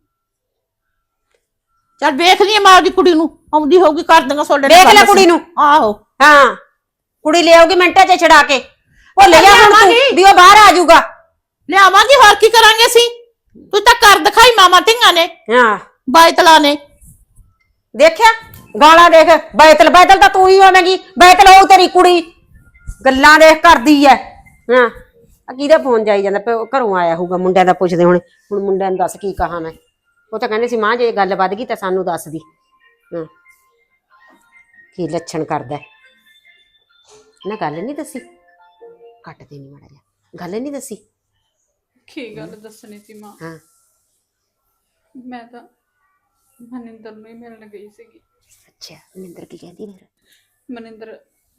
Speaker 2: ਚੱਲ ਵੇਖ ਲਈ ਮਾਂ ਦੀ ਕੁੜੀ ਨੂੰ ਆਉਂਦੀ ਹੋਊਗੀ ਕਰ ਦਾਂਗਾ ਸੋਡੇ
Speaker 1: ਵੇਖ ਲੈ ਕੁੜੀ ਨੂੰ
Speaker 2: ਆਹੋ
Speaker 1: ਹਾਂ ਕੁੜੀ ਲਿਆਉਗੀ ਮਿੰਟਾਂ 'ਚ ਛੜਾ ਕੇ ਉਹ ਲੈ ਜਾ ਹੁਣ ਤੂੰ ਵੀ ਉਹ ਬਾਹਰ ਆ ਜਾਊਗਾ
Speaker 2: ਲਿਆਵਾਂਗੇ ਹੋਰ ਕੀ ਕਰਾਂਗੇ ਅਸੀਂ ਤੂੰ ਤਾਂ ਕਰ ਦਿਖਾਈ ਮਾਮਾ ਧੀਆਂ ਨੇ
Speaker 1: ਹਾਂ
Speaker 2: ਬਾਇਤਲਾ ਨੇ
Speaker 1: ਦੇਖਿਆ ਗਾਲਾਂ ਦੇਖ ਬੈਤਲ ਬੈਤਲ ਤਾਂ ਤੂੰ ਹੀ ਹੋਵੇਂਗੀ ਬੈਤਲ ਹੋਊ ਤੇਰੀ ਕੁੜੀ ਗੱਲਾਂ ਦੇਖ ਕਰਦੀ ਐ ਹਾਂ ਆ ਕਿਹਦਾ ਫੋਨ ਜਾਈ ਜਾਂਦਾ ਪਿਆ? ਉਹ ਘਰੋਂ ਆਇਆ ਹੋਊਗਾ ਮੁੰਡਿਆਂ ਦਾ ਪੁੱਛਦੇ ਹੁਣ ਹੁਣ ਮੁੰਡਿਆਂ ਨੂੰ ਦੱਸ ਕੀ ਕਹਾਂ ਮੈਂ ਉਹ ਤਾਂ ਕਹਿੰਦੇ ਸੀ ਮਾਂ ਜੇ ਗੱਲ ਵੱਧ ਗਈ ਤਾਂ ਸਾਨੂੰ ਦੱਸ ਦੀ ਹਾਂ ਕੀ ਲੱਛਣ ਕਰਦਾ ਨਾ ਗੱਲ ਨਹੀਂ ਦੱਸੀ ਕੱਟ ਦੇ ਨਹੀਂ ਮਾੜਾ ਜਿਹਾ ਗੱਲ ਨਹੀਂ ਦੱਸੀ
Speaker 3: ਕੀ ਗੱਲ ਦੱਸਣੀ ਸੀ ਮਾਂ
Speaker 1: ਹਾਂ
Speaker 3: ਮੈਂ ਤਾਂ ਮਨਿੰਦਰ ਨੂੰ ਹੀ ਮਿਲਣ ਗਈ ਸੀਗੀ
Speaker 1: ਅੱਛਾ ਮਨਿੰਦਰ ਕੀ ਕਹਿੰਦੀ ਫਿਰ
Speaker 3: ਮਨਿੰਦਰ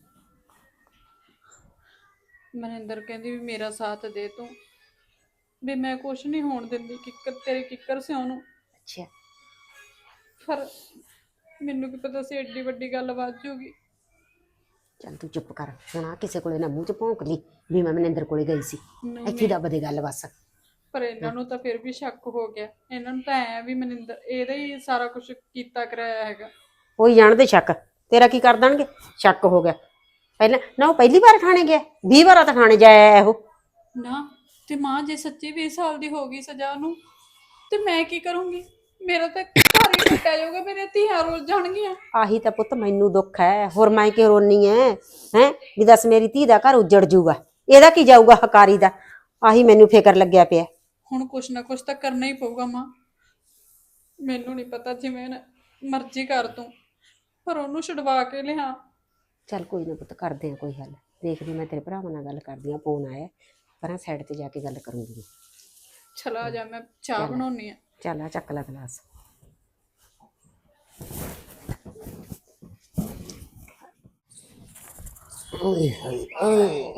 Speaker 3: ਮਨਿੰਦਰ ਕਹਿੰਦੀ ਵੀ ਮੇਰਾ ਸਾਥ ਦੇ ਤੂੰ ਵੀ ਮੈਂ ਕੁਛ ਨਹੀਂ ਹੋਣ ਦਿੰਦੀ ਕਿੱਕਰ ਤੇਰੇ ਕਿੱਕਰ ਸਿਉਂ ਨੂੰ
Speaker 1: ਅੱਛਾ
Speaker 3: ਪਰ ਮੈਨੂੰ ਕੀ ਪਤਾ ਸੀ ਏਡੀ ਵੱਡੀ ਗੱਲ ਵੱਧ ਜੂਗੀ
Speaker 1: ਚੱਲ ਤੂੰ ਚੁੱਪ ਕਰ ਹੁਣ ਆ ਕਿਸੇ ਕੋਲੇ ਨਾ ਮੂੰਹ 'ਚ ਭੌਂਕ ਲਈ ਵੀ ਮੈਂ ਮਨਿੰਦਰ ਕੋਲੇ ਗਈ ਸੀ
Speaker 3: ਨਹੀਂ,
Speaker 1: ਇੱਥੇ ਦੱਬ ਦੇ ਗੱਲ ਬਸ
Speaker 3: ਪਰ ਇਹਨਾਂ ਨੂੰ ਤਾਂ ਫਿਰ ਵੀ ਸ਼ੱਕ ਹੋ ਗਿਆ ਇਹਨਾਂ ਨੂੰ ਤਾਂ ਐ ਵੀ ਮਨਿੰਦਰ ਇਹਦਾ ਹੀ ਸਾਰਾ ਕੁਝ ਕੀਤਾ ਕਰਾਇਆ ਹੈਗਾ
Speaker 1: ਉਹੀ ਜਾਣਦੇ ਸ਼ੱਕ ਤੇਰਾ ਕੀ ਕਰ ਦੇਣਗੇ ਸ਼ੱਕ ਹੋ ਗਿਆ ਪਹਿਲਾਂ ਨਾ ਉਹ ਪਹਿਲੀ ਵਾਰ ਥਾਣੇ ਗਿਆ ਵੀਹ ਵਾਰਾਂ ਤਾਂ ਥਾਣੇ ਜਾਇਆ ਉਹ
Speaker 3: ਨਾ ਤੇ ਮਾਂ ਜੇ ਸੱਚੀ ਵੀਹ ਸਾਲ ਦੀ ਹੋ ਗਈ ਸਜ਼ਾ ਨੂੰ ਤੇ ਮੈਂ ਕੀ ਕਰੂੰਗੀ ਮੇਰਾ ਤਾਂ ਘਰ ਹੀ ਟੁੱਟਿਆ ਜਾਊਗਾ ਮੇਰੇ ਧੀਆਂ ਰੁੱਲ ਜਾਣਗੀਆਂ
Speaker 1: ਆਹੀ ਤਾਂ ਪੁੱਤ ਮੈਨੂੰ ਦੁੱਖ ਹੈ ਹੋਰ ਮੈਂ ਕਿ ਰੋਨੀ ਐ ਹੈ ਵੀ ਦੱਸ ਮੇਰੀ ਧੀ ਦਾ ਘਰ ਉੱਜੜ ਜੂਗਾ ਇਹਦਾ ਕੀ ਜਾਊਗਾ ਹਕਾਰੀ ਦਾ ਆਹੀ ਮੈਨੂੰ ਫਿਕਰ ਲੱਗਿਆ ਪਿਆ
Speaker 3: ਹੁਣ ਕੁਛ ਨਾ ਕੁਛ ਤਾਂ ਕਰਨਾ ਹੀ ਪਊਗਾ ਮਾਂ ਮੈਨੂੰ ਨਹੀਂ ਪਤਾ ਜਿਵੇਂ ਨਾ ਮਰਜ਼ੀ ਕਰ ਤੂੰ ਪਰ ਉਹਨੂੰ ਛਡਵਾ ਕੇ ਲਿਆ
Speaker 1: ਚੱਲ ਕੋਈ ਨਾ ਪੁੱਤ ਕਰਦੇ ਆ ਕੋਈ ਹੱਲ ਦੇਖਦੀ ਮੈਂ ਤੇਰੇ ਭਰਾਵਾਂ ਨਾਲ ਗੱਲ ਕਰਦੀ ਆ ਫੋਨ ਆਇਆ ਪਰਾਂ ਸਾਈਡ ਤੇ ਜਾ ਕੇ ਗੱਲ ਕਰੂੰਗੀ
Speaker 3: ਚਲਾ ਜਾ ਮੈਂ ਚਾਹ ਬਣਾਉਣੀ ਆ
Speaker 1: ਚੱਲ ਆ ਚੱਕ ਲੈ ਗਲਾਸ
Speaker 4: ਓਏ ਹਾਏ ਓਏ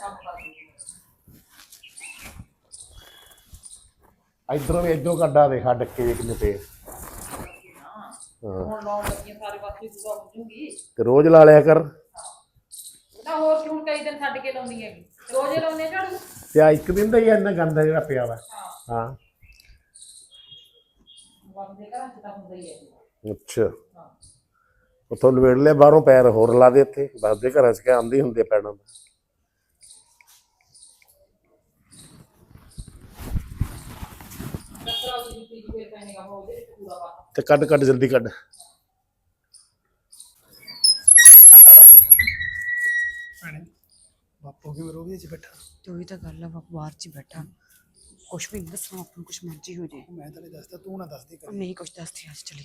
Speaker 4: ਇਧਰੋਂ ਵੀ ਇਧਰੋਂ ਕੱਢਾ ਦੇਖਾ ਡੱਕੇ ਜੇ ਕਿੰਨੇ ਪਏ ਹੁਣ ਲਾਉਣ ਲੱਗੀਆਂ ਸਾਰੇ ਪਾਸੇ ਸੁਬਾ ਹੋ ਜੂਗੀ ਤੇ ਰੋਜ਼ ਲਾ ਲਿਆ ਕਰ
Speaker 5: ਨਾ ਹੋਰ ਕਿ ਹੁਣ ਕਈ ਦਿਨ ਛੱਡ ਕੇ ਲਾਉਂਦੀ ਹੈਗੀ ਰੋਜ਼ ਹੀ ਲਾਉਂਦੇ ਝਾੜੂ
Speaker 4: ਤੇ ਆ ਇੱਕ ਦਿਨ ਦਾ ਹੀ ਇੰਨਾ ਗੰਦਾ ਜਿਹੜਾ ਪਿਆ ਵਾ ਹਾਂ
Speaker 5: ਬੰਦੇ ਘਰਾਂ ਚ ਤਾਂ ਹੁੰਦਾ ਹੀ ਹੈ
Speaker 4: ਅੱਛਾ ਉਥੋਂ ਲਵੇੜ ਲਿਆ ਬਾਹਰੋਂ ਪੈਰ ਹੋਰ ਲਾ ਦੇ ਇੱਥੇ ਬਾਦੇ ਘਰਾਂ ਚ ਕਿ ਆਂਦੀ ਹੁੰਦੀ ਆ ਪੈਣਾ
Speaker 5: ਨਹੀਂਗਾ ਮੈਂ ਉਹਦੇ ਵਿੱਚ ਪੂਰਾ ਪਾ
Speaker 4: ਤੇ ਕੱਢ ਕੱਢ ਜਲਦੀ ਕੱਢ।
Speaker 6: ਬਾਪੂ ਕੀ ਮਰੋਗੇ ਚ ਬੈਠਾ।
Speaker 7: ਤੇ ਉਹੀ ਤਾਂ ਗੱਲ ਆ ਬਾਪੂ ਬਾਹਰ ਚ ਹੀ ਬੈਠਾ ਕੁਛ ਵੀ ਨਹੀਂ ਦੱਸਣਾ ਆਪਾਂ ਨੂੰ ਕੁਛ ਮਰਜ਼ੀ ਹੋ ਜੇ
Speaker 6: ਮੈਂ ਤਾਂ ਨਹੀਂ ਦੱਸਦਾ ਤੂੰ ਨਾ ਦੱਸਦੀ ਕਰ।
Speaker 7: ਨਹੀਂ ਕੁਛ ਦੱਸਦੀ ਅੱਜ ਚਲੀ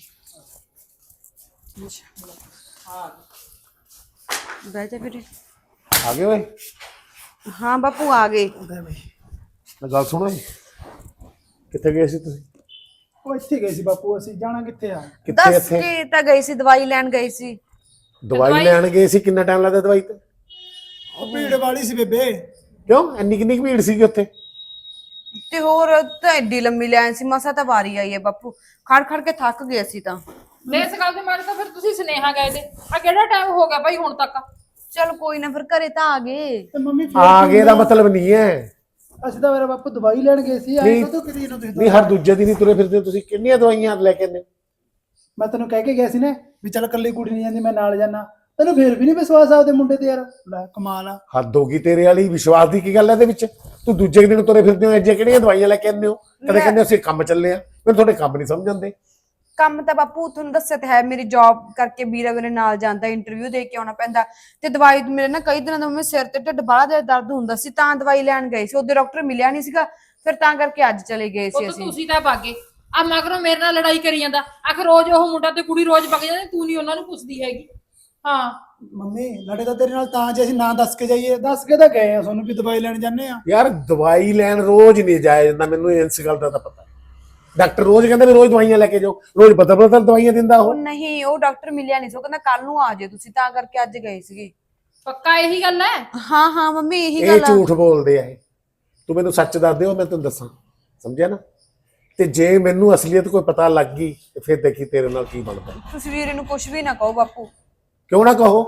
Speaker 5: ਹਾਂ
Speaker 7: ਬਹਿ ਜਾ ਵੀਰੇ।
Speaker 4: ਆ ਗਏ ਓਏ।
Speaker 7: ਹਾਂ ਬਾਪੂ ਆ ਗਏ।
Speaker 6: ਬੈ ਬਈ
Speaker 4: ਮੈਂ ਗੱਲ ਸੁਣੋ ਜੀ। ਕਿੱਥੇ ਗਏ ਸੀ ਤੁਸੀਂ?
Speaker 6: ਉਹ ਇੱਥੇ ਗਏ ਸੀ ਬਾਪੂ, ਅਸੀਂ ਜਾਣਾ ਕਿੱਥੇ ਆ?
Speaker 4: ਕਿੱਥੇ
Speaker 7: ਦੱਸ
Speaker 4: ਇੱਥੇ
Speaker 7: ਕੇ ਤਾਂ ਗਈ ਸੀ ਦਵਾਈ ਲੈਣ ਗਈ ਸੀ।
Speaker 4: ਦਵਾਈ ਲੈਣ ਗਏ ਸੀ? ਕਿੰਨਾ ਟਾਈਮ ਲੱਗਦਾ ਦਵਾਈ ਤੇ?
Speaker 6: ਉਹ ਭੀੜ ਵਾਲੀ ਸੀ ਬੇਬੇ।
Speaker 4: ਕਿਉਂ ਇੰਨੀ ਕਿੰਨੀ ਕੁ ਭੀੜ ਸੀਗੀ ਉੱਥੇ?
Speaker 7: ਤੇ ਹੋਰ ਤਾਂ ਐਡੀ ਲੰਮੀ ਲਾਈਨ ਸੀ, ਮਸਾ ਤਾਂ ਵਾਰੀ ਆਈ ਹੈ ਬਾਪੂ, ਖੜ ਖੜ ਕੇ ਥੱਕ ਗਏ ਸੀ ਤਾਂ।
Speaker 5: ਤੇ ਇਸ ਗੱਲ ਦੇ ਮਾਰੇ ਤਾਂ ਫਿਰ ਤੁਸੀਂ ਸੁਨੇਹਾ ਗਏ ਤੇ ਆ ਕਿਹੜਾ ਟਾਈਮ ਹੋ ਗਿਆ ਭਾਈ ਹੁਣ ਤੱਕ?
Speaker 7: ਚਲ ਕੋਈ ਨਾ ਫਿਰ ਘਰੇ ਤਾਂ ਆ ਗਏ।
Speaker 6: ਤੇ ਮੰਮੀ ਫਿਰ
Speaker 4: ਆ ਗਏ ਦਾ ਮਤਲਬ ਨਹੀਂ ਹੈ।
Speaker 6: ਅਸੀਂ ਤਾਂ ਮੇਰਾ ਬਾਪੂ ਦਵਾਈ ਲੈਣ ਗਏ ਸੀ। ਆਏ
Speaker 4: ਨਹੀਂ
Speaker 6: ਕਦੋਂ ਕਿਤੇ ਨੂੰ ਤੁਸੀਂ?
Speaker 4: ਨਹੀਂ ਹਰ ਦੂਜੇ ਦਿਨ ਹੀ ਤੁਰੇ ਫਿਰਦੇ ਹੋ ਤੁਸੀਂ। ਕਿੰਨੀਆਂ ਦਵਾਈਆਂ ਲੈ ਕੇ ਆਉਂਦੇ?
Speaker 6: ਮੈਂ ਤੈਨੂੰ ਕਹਿ ਕੇ ਗਿਆ ਸੀ ਨਾ ਵੀ ਚੱਲ ਇਕੱਲੀ ਕੁੜੀ ਨਹੀਂ ਜਾਂਦੀ, ਮੈਂ ਨਾਲ ਜਾਣਾ। ਤੈਨੂੰ ਫੇਰ ਵੀ ਨਹੀਂ ਵਿਸ਼ਵਾਸ ਆ ਉਹਦੇ ਮੁੰਡੇ ਤੇ ਯਾਰ। ਲੈ ਕਮਾਲ ਆ।
Speaker 4: ਹੱਦ ਹੋ ਗਈ ਤੇਰੇ ਵਾਲੀ। ਵਿਸ਼ਵਾਸ ਦੀ ਕੀ ਗੱਲ ਹੈ ਇਹਦੇ ਵਿੱਚ? ਤੂੰ ਦੂਜੇ ਦਿਨ ਤੁਰੇ ਫਿਰਦੇ ਹੋ ਐਜੇ ਕਿਹੜੀਆਂ ਦਵਾਈਆਂ ਲੈ ਕੇ ਆਉਂਦੇ ਹੋ? ਕਦੇ ਕਹਿੰਦੇ ਅਸੀਂ ਕੰਮ ਚੱਲੇ ਆ, ਮੈਨੂੰ ਤੁਹਾਡੇ ਕੰਮ ਨਹੀਂ ਸਮਝ ਆਉਂਦੇ।
Speaker 7: ਕੰਮ ਤਾਂ ਬਾਪੂ ਤੁਹਾਨੂੰ ਦੱਸਿਆ ਤਾਂ ਹੈ, ਮੇਰੀ ਜੌਬ ਕਰਕੇ ਵੀਰਾ ਮੇਰੇ ਨਾਲ ਜਾਂਦਾ, ਇੰਟਰਵਿਊ ਦੇ ਕੇ ਆਉਣਾ ਪੈਂਦਾ। ਤੇ ਦਵਾਈ ਮੇਰੇ ਨਾ ਕਈ ਦਿਨਾਂ ਤੋਂ ਮੇਰੇ ਸਿਰ ਤੇ ਢਿੱਡ ਬਾਹਲਾ ਦੇ ਦਰਦ ਹੁੰਦਾ ਸੀ ਤਾਂ ਦਵਾਈ ਲੈਣ ਗਏ ਸੀ। ਉਹਦੇ ਡਾਕਟਰ ਮਿਲਿਆ ਨਹੀਂ ਸੀਗਾ, ਫਿਰ ਤਾਂ ਕਰਕੇ ਅੱਜ ਚਲੇ ਗਏ ਸੀ
Speaker 5: ਉਹ
Speaker 7: ਅਸੀਂ।
Speaker 5: ਤੁਸੀਂ ਤਾਂ ਭਾਗੇ ਆ ਮਗਰੋਂ ਮੇਰੇ ਨਾਲ ਲੜਾਈ ਕਰੀ ਜਾਂਦਾ। ਆਖਰ ਰੋਜ਼ ਉਹ ਮੁੰਡਾ ਤੇ ਕੁੜੀ ਰੋਜ਼ ਵਗ ਜਾਂਦੇ, ਤੂੰ ਨਹੀਂ ਉਹਨਾਂ ਨੂੰ ਪੁੱਛਦੀ ਹੈਗੀ। ਹਾਂ
Speaker 6: ਮੰਮੀ ਲੜੇ ਤਾਂ ਤੇਰੇ ਨਾਲ ਤਾਂ ਜੇ ਅਸੀਂ ਨਾ ਦੱਸ ਕੇ ਜਾਈਏ। ਦੱਸ ਕੇ ਤਾਂ ਗਏ ਆ ਤੁਹਾਨੂੰ ਵੀ ਦਵਾਈ ਲੈਣ ਜਾਂਦੇ ਆ।
Speaker 4: ਯਾਰ ਦਵਾਈ ਲੈਣ ਰੋਜ਼ ਨਹੀਂ ਜਾਇਆ ਜਾਂਦਾ, ਮੈਨੂੰ ਇਸ ਗੱਲ ਦਾ ਤਾਂ ਪਤਾ। ਡਾਕਟਰ ਰੋਜ਼ ਕਹਿੰਦਾ ਵੀ ਰੋਜ਼ ਦਵਾਈਆਂ ਲੈ ਕੇ ਜਾਓ, ਰੋਜ਼ ਬਦਲ ਬਦਲ ਦਵਾਈਆਂ ਦਿੰਦਾ
Speaker 7: ਉਹ
Speaker 4: ਉਹ।
Speaker 7: ਨਹੀਂ, ਉਹ ਡਾਕਟਰ ਮਿਲਿਆ ਨਹੀਂ ਸੀ, ਉਹ ਕਹਿੰਦਾ ਕੱਲ ਨੂੰ ਆ ਜਾਓ ਤੁਸੀਂ, ਤਾਂ ਕਰਕੇ ਅੱਜ ਗਏ ਸੀਗੇ।
Speaker 5: ਪੱਕਾ ਇਹੀ ਗੱਲ ਹੈ?
Speaker 7: ਹਾਂ ਹਾਂ ਮੰਮੀ ਇਹੀ
Speaker 4: ਇਹ
Speaker 7: ਗੱਲ ਆ।
Speaker 4: ਝੂਠ ਬੋਲਦੇ ਆ ਇਹ। ਤੂੰ ਮੈਨੂੰ ਸੱਚ ਦੱਸ ਦਿਓ, ਮੈਂ ਤੈਨੂੰ ਦੱਸਾਂ। ਸਮਝਿਆ ਨਾ? ਤੇ ਜੇ ਮੈਨੂੰ ਅਸਲੀਅਤ ਕੋਈ ਪਤਾ ਲੱਗ ਗਈ ਤੇ ਫਿਰ ਦੇਖੀ ਤੇਰੇ ਨਾਲ ਕੀ ਬਣਦਾ।
Speaker 7: ਤੁਸੀਂ ਵੀਰੇ ਨੂੰ ਕੁਝ ਵੀ ਨਾ ਕਹੋ ਬਾਪੂ।
Speaker 4: ਕਿਉਂ ਨਾ ਕਹੋ?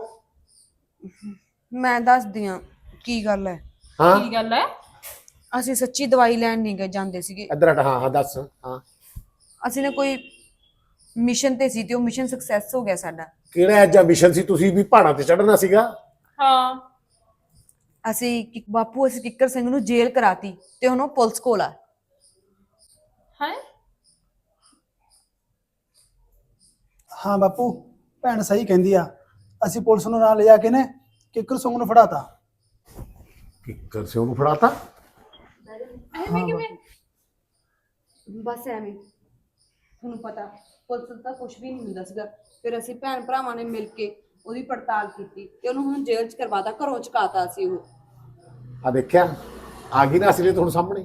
Speaker 7: ਮੈਂ ਦੱਸਦੀ ਆ ਕੀ ਗੱਲ ਹੈ।
Speaker 4: ਹਾਂ
Speaker 5: ਕੀ ਗੱਲ ਹੈ?
Speaker 7: ਅਸੀਂ ਸੱਚੀ ਦਵਾਈ ਲੈਣ ਨਹੀਂ ਗਏ ਜਾਂਦੇ ਸੀਗੇ।
Speaker 4: ਇੱਧਰ ਹਟ। ਹਾਂ ਹਾਂ ਦੱਸ। ਹਾਂ
Speaker 7: ਅਸੀਂ ਨੇ ਕੋਈ ਮਿਸ਼ਨ ਤੇ ਸੀ ਤੇ ਉਹ ਮਿਸ਼ਨ ਸਕਸੈਸ ਹੋ ਗਿਆ ਸਾਡਾ।
Speaker 4: ਕਿਹੜਾ ਐਜਾ ਮਿਸ਼ਨ ਸੀ? ਤੁਸੀਂ ਵੀ ਪਹਾੜਾਂ ਤੇ ਚੜ੍ਹਨਾ ਸੀਗਾ?
Speaker 5: ਹਾਂ
Speaker 7: ਅਸੀਂ ਕਿ- ਬਾਪੂ ਅਸੀਂ ਕਿੱਕਰ ਸਿੰਘ ਨੂੰ ਜੇਲ੍ਹ ਕਰਾਤੀ ਤੇ ਹੁਣ ਉਹ ਪੁਲਿਸ ਕੋਲ ਆ।
Speaker 5: ਹੈ
Speaker 6: ਹਾਂ ਬਾਪੂ ਭੈਣ ਸਹੀ ਕਹਿੰਦੀ ਆ। ਅਸੀਂ ਪੁਲਿਸ ਨੂੰ ਨਾਲ ਲਿਜਾ ਕੇ ਨੇ ਕਿੱਕਰ ਸਿੰਘ ਨੂੰ ਫੜਾਤਾ।
Speaker 4: ਕਿੱਕਰ ਸੇ ਉਹਨੂੰ ਫੜਾਤਾ?
Speaker 5: ਐਵੇਂ ਕਿਵੇਂ?
Speaker 7: ਬਸ ਐਵੇਂ ਤੁਹਾਨੂੰ ਪਤਾ ਪੁਲਿਸ ਦਾ ਕੁਝ ਵੀ ਨਹੀਂ ਹੁੰਦਾ ਸੀਗਾ। ਫਿਰ ਅਸੀਂ ਭੈਣ ਭਰਾਵਾਂ ਨੇ ਮਿਲ ਕੇ ਉਹਦੀ ਪੜਤਾਲ ਕੀਤੀ ਤੇ ਉਹਨੂੰ ਹੁਣ ਜੇਲ੍ਹ 'ਚ ਕਰਵਾਤਾ, ਘਰੋਂ ਚੁਕਾਤਾ ਸੀ ਉਹ।
Speaker 4: ਆ ਦੇਖਿਆ ਆ ਗਈ ਨਾ ਅਸਲੀਅਤ ਹੁਣ ਸਾਹਮਣੇ।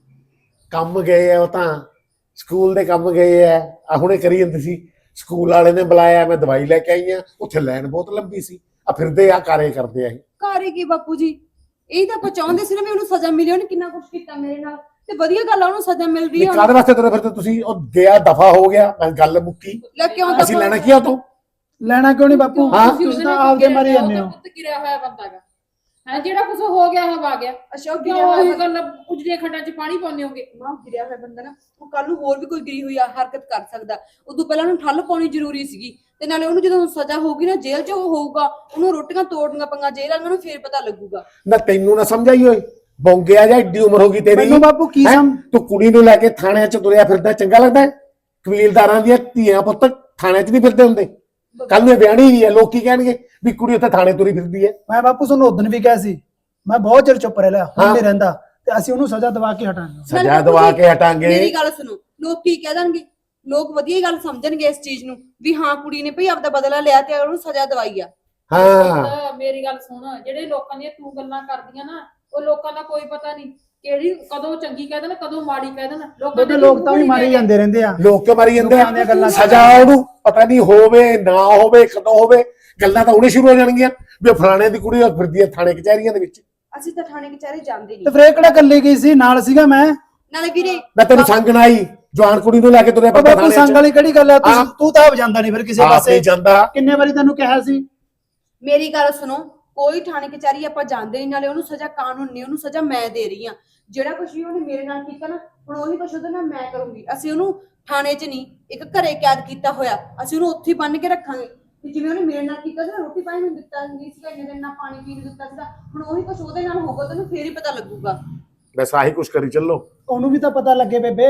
Speaker 4: ਕੰਮ ਗਏ ਆ ਉਹ ਤਾਂ, ਸਕੂਲ ਦੇ ਕੰਮ ਗਏ ਆ। ਆ ਹੁਣੇ ਕਰੀ ਜਾਂਦੀ ਸੀ, ਸਕੂਲ ਵਾਲੇ ਨੇ ਬੁਲਾਇਆ, ਮੈਂ ਦਵਾਈ ਲੈ ਕੇ ਆਈ ਆ। ਉੱਥੇ ਲਾਈਨ ਬਹੁਤ ਲੰਬੀ ਸੀ। ਆ ਫਿਰਦੇ ਆ ਕਾਰੇ ਕਰਦੇ ਆ ਇਹ।
Speaker 7: ਘਰ ਕੀ ਬਾਪੂ ਜੀ, ਇਹ ਤਾਂ ਆਪਾਂ ਚਾਹੁੰਦੇ ਸੀ ਨਾ ਵੀ ਉਹਨੂੰ ਸਜ਼ਾ ਮਿਲੇ। ਉਹਨੇ ਕਿੰਨਾ ਕੁਝ ਕੀਤਾ ਮੇਰੇ ਨਾਲ ਤੇ ਵਧੀਆ ਗੱਲ ਆ ਉਹਨੂੰ ਸਜ਼ਾ ਮਿਲ ਰਹੀ
Speaker 4: ਨਹੀਂ
Speaker 7: ਆ।
Speaker 4: ਕਾਹਦੇ ਵਾਸਤੇ ਤੁਰੇ ਫਿਰਦੇ ਤੁਸੀਂ? ਉਹ ਗਿਆ ਦਫਾ ਹੋ ਗਿਆ, ਮੈਂ ਗੱਲ ਮੁੱਕੀ।
Speaker 7: ਲੈ ਕਿਉਂ
Speaker 4: ਅਸੀਂ ਲੈਣਾ ਕੀ ਆ ਤੂੰ?
Speaker 6: ਲੈਣਾ ਕਿਉਂ ਨਹੀਂ ਬਾਪੂ?
Speaker 4: ਹਾਂ?
Speaker 6: ਤੁਸੀਂ ਤਾਂ ਆਪਦੇ ਮਾਰੇ ਜਾਂਦੇ ਹੋ।
Speaker 5: ਪੁੱਤ ਗਿਰਿਆ ਹੋਇਆ ਬੰਦਾ ਗਾ ਹੈ, ਜਿਹੜਾ ਕੁਝ ਹੋ ਗਿਆ ਹੋ ਆ ਗਿਆ।
Speaker 7: ਅੱਛਾ ਉਹ
Speaker 5: ਕਿਉਂ
Speaker 7: ਗਿਰਿਆ
Speaker 5: ਉਹੀ
Speaker 7: ਹੋਇਆ
Speaker 5: ਗੱਲ ਉਜੜੇ ਖੱਡਾਂ 'ਚ ਪਾਣੀ ਪਾਉਂਦੇ ਹੋਗੇ?
Speaker 7: ਮਾਂ ਗਿਰਿਆ ਹੋਇਆ ਬੰਦਾ ਨਾ ਉਹ ਕੱਲ ਨੂੰ ਹੋਰ ਵੀ ਕੋਈ ਗਿਰੀ ਹੋਈ ਆ ਹਰਕਤ ਕਰ ਸਕਦਾ। ਉਦੋਂ ਪਹਿਲਾਂ ਉਹਨੂੰ ਠੱਲ ਪਾਉਣੀ ਜ਼ਰੂਰੀ ਸੀਗੀ। ਤੇ ਨਾਲੇ ਉਹਨੂੰ ਜਦੋਂ ਸਜ਼ਾ ਹੋਊਗੀ ਨਾ ਜੇਲ੍ਹ 'ਚ ਉਹ ਹੋਊਗਾ, ਉਹਨੂੰ ਰੋਟੀਆਂ ਤੋੜਨੀਆਂ ਪੰਗਾ ਜੇਲ੍ਹ ਵਾਲਿਆਂ ਨੂੰ ਫੇਰ ਪਤਾ ਲੱਗੂਗਾ।
Speaker 4: ਨਾ ਤੈਨੂੰ ਨਾ ਸਮਝਾਈ ਓਏ, ਬੌਂਗਿਆ ਜਾਂ ਏਡੀ ਉਮਰ ਹੋ ਗਈ ਤੇਰੀ।
Speaker 6: ਮੈਨੂੰ ਬਾਪੂ ਕੀ
Speaker 4: ਹੈਂ?
Speaker 6: ਸਮ
Speaker 4: ਤੂੰ ਕੁੜੀ ਨੂੰ ਲੈ ਕੇ ਥਾਣਿਆਂ 'ਚ ਤੁਰਿਆ ਫਿਰਦਾ, ਚੰਗਾ ਲੱਗਦਾ ਹੈ? ਕਬੀਲਦਾਰਾਂ ਦੀਆਂ ਧੀਆਂ ਪੁੱਤ ਥਾਣਿਆਂ 'ਚ ਨਹੀਂ ਫਿਰਦੇ ਹੁੰਦੇ। ਕੱਲ ਨੂੰ ਇਹ ਵਿਆਹਣੀ ਵੀ ਹੈ, ਲੋਕ ਕੀ ਕਹਿਣਗੇ ਵੀ ਕੁੜੀ ਉੱਥੇ ਥਾਣੇ ਤੁਰੀ ਫਿਰਦੀ ਹੈ।
Speaker 6: ਮੈਂ ਬਾਪੂ ਤੁਹਾਨੂੰ ਉਦੋਂ ਵੀ ਕਿਹਾ ਸੀ, ਮੈਂ ਬਹੁਤ ਚਿਰ ਚੁੱਪ ਰਹਿ ਲਿਆ, ਹੁਣ
Speaker 4: ਹਾਂ।
Speaker 6: ਨਹੀਂ ਰਹਿੰਦਾ। ਤੇ ਅਸੀਂ ਉਹਨੂੰ ਸਜ਼ਾ ਦਵਾ ਕੇ ਹਟਾਂਗੇ।
Speaker 4: ਸਜ਼ਾ ਦਵਾ ਕੇ ਹਟਾਂਗੇ।
Speaker 7: ਮੇਰੀ ਗੱਲ ਸੁਣੋ, ਲੋਕ ਕੀ ਕਹਿ ਦੇਣਗੇ? ਲੋਕ ਵਧੀਆ ਗੱਲ ਸਮਝਣਗੇ ਇਸ ਚੀਜ਼ ਨੂੰ ਵੀ ਹਾਂ ਕੁੜੀ ਨੇ ਭਈ ਆਪਦਾ ਬਦਲਾ ਲਿਆ ਤੇ ਉਹਨੂੰ ਸਜ਼ਾ ਦਵਾਈ ਆ।
Speaker 4: ਹਾਂ
Speaker 5: ਪੁੱਤ, ਮੇਰੀ ਗੱਲ ਸੁਣ, ਜਿਹੜੇ ਲੋਕਾਂ ਦੀਆਂ ਤੂੰ ਗੱਲਾਂ ਕਰਦੀਆਂ ਨਾ, ਉਹ ਲੋਕਾਂ ਦਾ ਕੋਈ ਪਤਾ ਨਹੀਂ ਕਿਹੜੀ ਕਦੋਂ ਚੰਗੀ ਕਹਿ ਦੇਣ ਕਦੋਂ ਮਾੜੀ ਕਹਿ ਦੇਣ। ਲੋਕਾਂ
Speaker 6: ਬੇਬੇ ਲੋਕ ਤਾਂ ਵੀ ਮਾਰੇ ਜਾਂਦੇ ਰਹਿੰਦੇ ਆ।
Speaker 4: ਲੋਕ ਕਿਉਂ ਮਾਰੀ ਜਾਂਦੇ
Speaker 6: ਲੋਕਾਂ ਦੀਆਂ
Speaker 4: ਆ?
Speaker 6: ਗੱਲਾਂ
Speaker 4: ਸਜ਼ਾ ਉਹਨੂੰ ਪਤਾ ਨਹੀਂ ਹੋਵੇ ਨਾ ਹੋਵੇ, ਕਦੋਂ ਹੋਵੇ, ਗੱਲਾਂ ਤਾਂ ਉਹਨੇ ਸ਼ੁਰੂ ਹੋ ਜਾਣਗੀਆਂ ਵੀ ਉਹ ਫਲਾਣੇ ਦੀ ਕੁੜੀ ਫਿਰਦੀ ਹੈ ਥਾਣੇ ਕਚਹਿਰੀਆਂ ਦੇ ਵਿੱਚ।
Speaker 7: ਅਸੀਂ ਤਾਂ ਥਾਣੇ ਕਚਹਿਰੇ ਜਾਂਦੇ
Speaker 6: ਤੇ
Speaker 7: ਨਹੀਂ।
Speaker 6: ਫਿਰ ਇਹ ਕਿਹੜਾ ਇਕੱਲੀ ਗਈ ਸੀ? ਨਾਲ ਸੀਗਾ ਮੈਂ।
Speaker 7: ਨਾਲੇ ਵੀਰੇ
Speaker 4: ਮੈਂ ਤੈਨੂੰ ਸੰਗਣ ਆਈ, ਜਵਾਨ ਕੁੜੀ ਨੂੰ ਲੈ ਕੇ ਤੁਰਿਆ ਫਿਰਦਾ
Speaker 6: ਬਾਪੂ
Speaker 4: ਥਾਣੇ
Speaker 6: ਸੰਗ
Speaker 4: 'ਚ।
Speaker 6: ਵਾਲੀ ਕਿਹੜੀ ਗੱਲ ਆ?
Speaker 4: ਹਾਂ।
Speaker 6: ਤੂੰ ਤੂੰ ਤਾਂ ਆਪ ਜਾਂਦਾ ਨਹੀਂ ਫਿਰ ਕਿਸੇ
Speaker 4: ਆਪ
Speaker 6: ਪਾਸੇ।
Speaker 4: ਨਹੀਂ ਜਾਂਦਾ।
Speaker 6: ਕਿੰਨੇ ਵਾਰੀ ਤੈਨੂੰ ਕਿਹਾ ਸੀ?
Speaker 7: ਮੇਰੀ ਗੱਲ ਸੁਣੋ, ਕੋਈ ਥਾਣੇ ਕਚਹਿਰੀ ਆਪਾਂ ਜਾਂਦੇ ਨਹੀਂ। ਨਾਲੇ ਉਹਨੂੰ ਸਜ਼ਾ ਕਾਨੂੰਨ ਨਹੀਂ, ਉਹਨੂੰ ਸਜ਼ਾ ਮੈਂ ਦੇ ਰਹੀ ਆ। ਜਿਹੜਾ ਕੁਝ ਵੀ ਉਹਨੇ ਮੇਰੇ ਨਾਲ ਕੀਤਾ ਨਾ, ਹੁਣ ਉਹੀ ਕੁਝ ਉਹਦੇ ਨਾਲ ਮੈਂ ਕਰੂੰਗੀ। ਅਸੀਂ ਉਹਨੂੰ ਥਾਣੇ 'ਚ ਨਹੀਂ, ਇੱਕ ਘਰੇ ਕੈਦ ਕੀਤਾ ਹੋਇਆ, ਅਸੀਂ ਉਹਨੂੰ ਉੱਥੇ ਬੰਨ ਕੇ ਰੱਖਾਂਗੇ। ਤੇ ਜਿਵੇਂ ਉਹਨੇ ਮੇਰੇ ਨਾਲ ਕੀਤਾ ਸੀ ਨਾ, ਰੋਟੀ ਪਾਣੀ ਨੂੰ ਦਿੱਤਾ ਨਹੀਂ ਸੀਗਾ, ਇੰਨੇ ਦਿਨ ਨਾਲ ਪਾਣੀ ਪੀਣ ਨੂੰ ਦਿੱਤਾ ਸੀਗਾ, ਹੁਣ ਉਹੀ ਕੁਝ ਉਹਦੇ ਨਾਲ ਹੋਊਗਾ, ਤੈਨੂੰ ਫੇਰ ਹੀ ਪਤਾ ਲੱਗੂਗਾ।
Speaker 4: ਬਸ ਆਹੀ ਕੁਛ ਕਰੀ ਚੱਲੋ।
Speaker 6: ਉਹਨੂੰ ਵੀ ਤਾਂ ਪਤਾ ਲੱਗੇ ਬੇਬੇ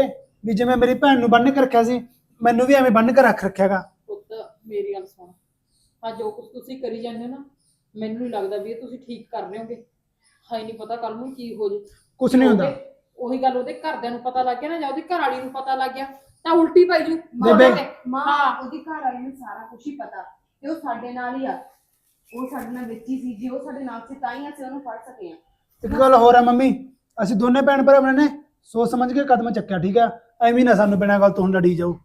Speaker 6: ਵੀ ਜਿਵੇਂ ਮੇਰੀ ਭੈਣ ਨੂੰ ਬੰਨ ਕੇ ਰੱਖਿਆ ਸੀ ਮੈਨੂੰ ਵੀ ਐਵੇਂ ਬੰਨ ਕੇ ਰੱਖ ਰੱਖਿਆਗਾ।
Speaker 5: ਪੁੱਤ ਮੇਰੀ ਗੱਲ ਸੁਣ, ਆ ਜੋ ਕੁਝ ਤੁਸੀਂ ਕਰੀ ਜਾਂਦੇ ਹੋ ਨਾ, ਮੈਨੂੰ ਨਹੀਂ ਲੱਗਦਾ ਵੀ ਇਹ ਤੁਸੀਂ ਠੀਕ ਕਰ ਰਹੇ ਹੋਗੇ। ਹਾਈ ਨਹੀਂ ਪਤਾ ਕੱਲ ਨੂੰ ਕੀ ਹੋ ਜੇ।
Speaker 6: ਕੁਛ ਨਹੀਂ ਹੁੰਦਾ।
Speaker 5: ਉਹੀ ਗੱਲ ਉਹਦੇ ਘਰਦਿਆਂ ਨੂੰ ਪਤਾ ਲੱਗ ਗਿਆ ਨਾ, ਜਾਂ ਉਹਦੀ ਘਰ ਵਾਲੀ ਨੂੰ ਪਤਾ ਲੱਗ ਗਿਆ ਤਾਂ ਉਲਟੀ ਪੈ ਜੂ।
Speaker 6: ਬੇਬੇ
Speaker 7: ਮਾਂ
Speaker 5: ਹਾਂ।
Speaker 7: ਉਹਦੀ ਘਰ ਵਾਲੀ ਨੂੰ ਸਾਰਾ ਕੁਝ ਹੀ ਪਤਾ ਤੇ ਉਹ ਸਾਡੇ ਨਾਲ ਹੀ ਆ। ਉਹ ਸਾਡੇ ਨਾਲ ਵਿੱਚ ਹੀ ਸੀ, ਜੇ ਉਹ ਸਾਡੇ ਨਾਲ ਸੀ ਤਾਂ ਹੀ ਅਸੀਂ ਉਹਨੂੰ ਫੜ ਸਕੇ ਆ।
Speaker 6: ਇੱਕ ਗੱਲ ਹੋਰ ਆ ਮੰਮੀ, ਅਸੀਂ ਦੋਨੇ ਭੈਣ ਭਰਾ ਨੇ ਸੋਚ ਸਮਝ ਕੇ ਕਦਮ ਚੱਕਿਆ, ਠੀਕ ਆ? ਐਵੇਂ ਨਾ ਸਾਨੂੰ ਬਿਨਾਂ ਗੱਲ ਤੋਂ ਹੁਣ ਲੜੀ ਜਾਓ।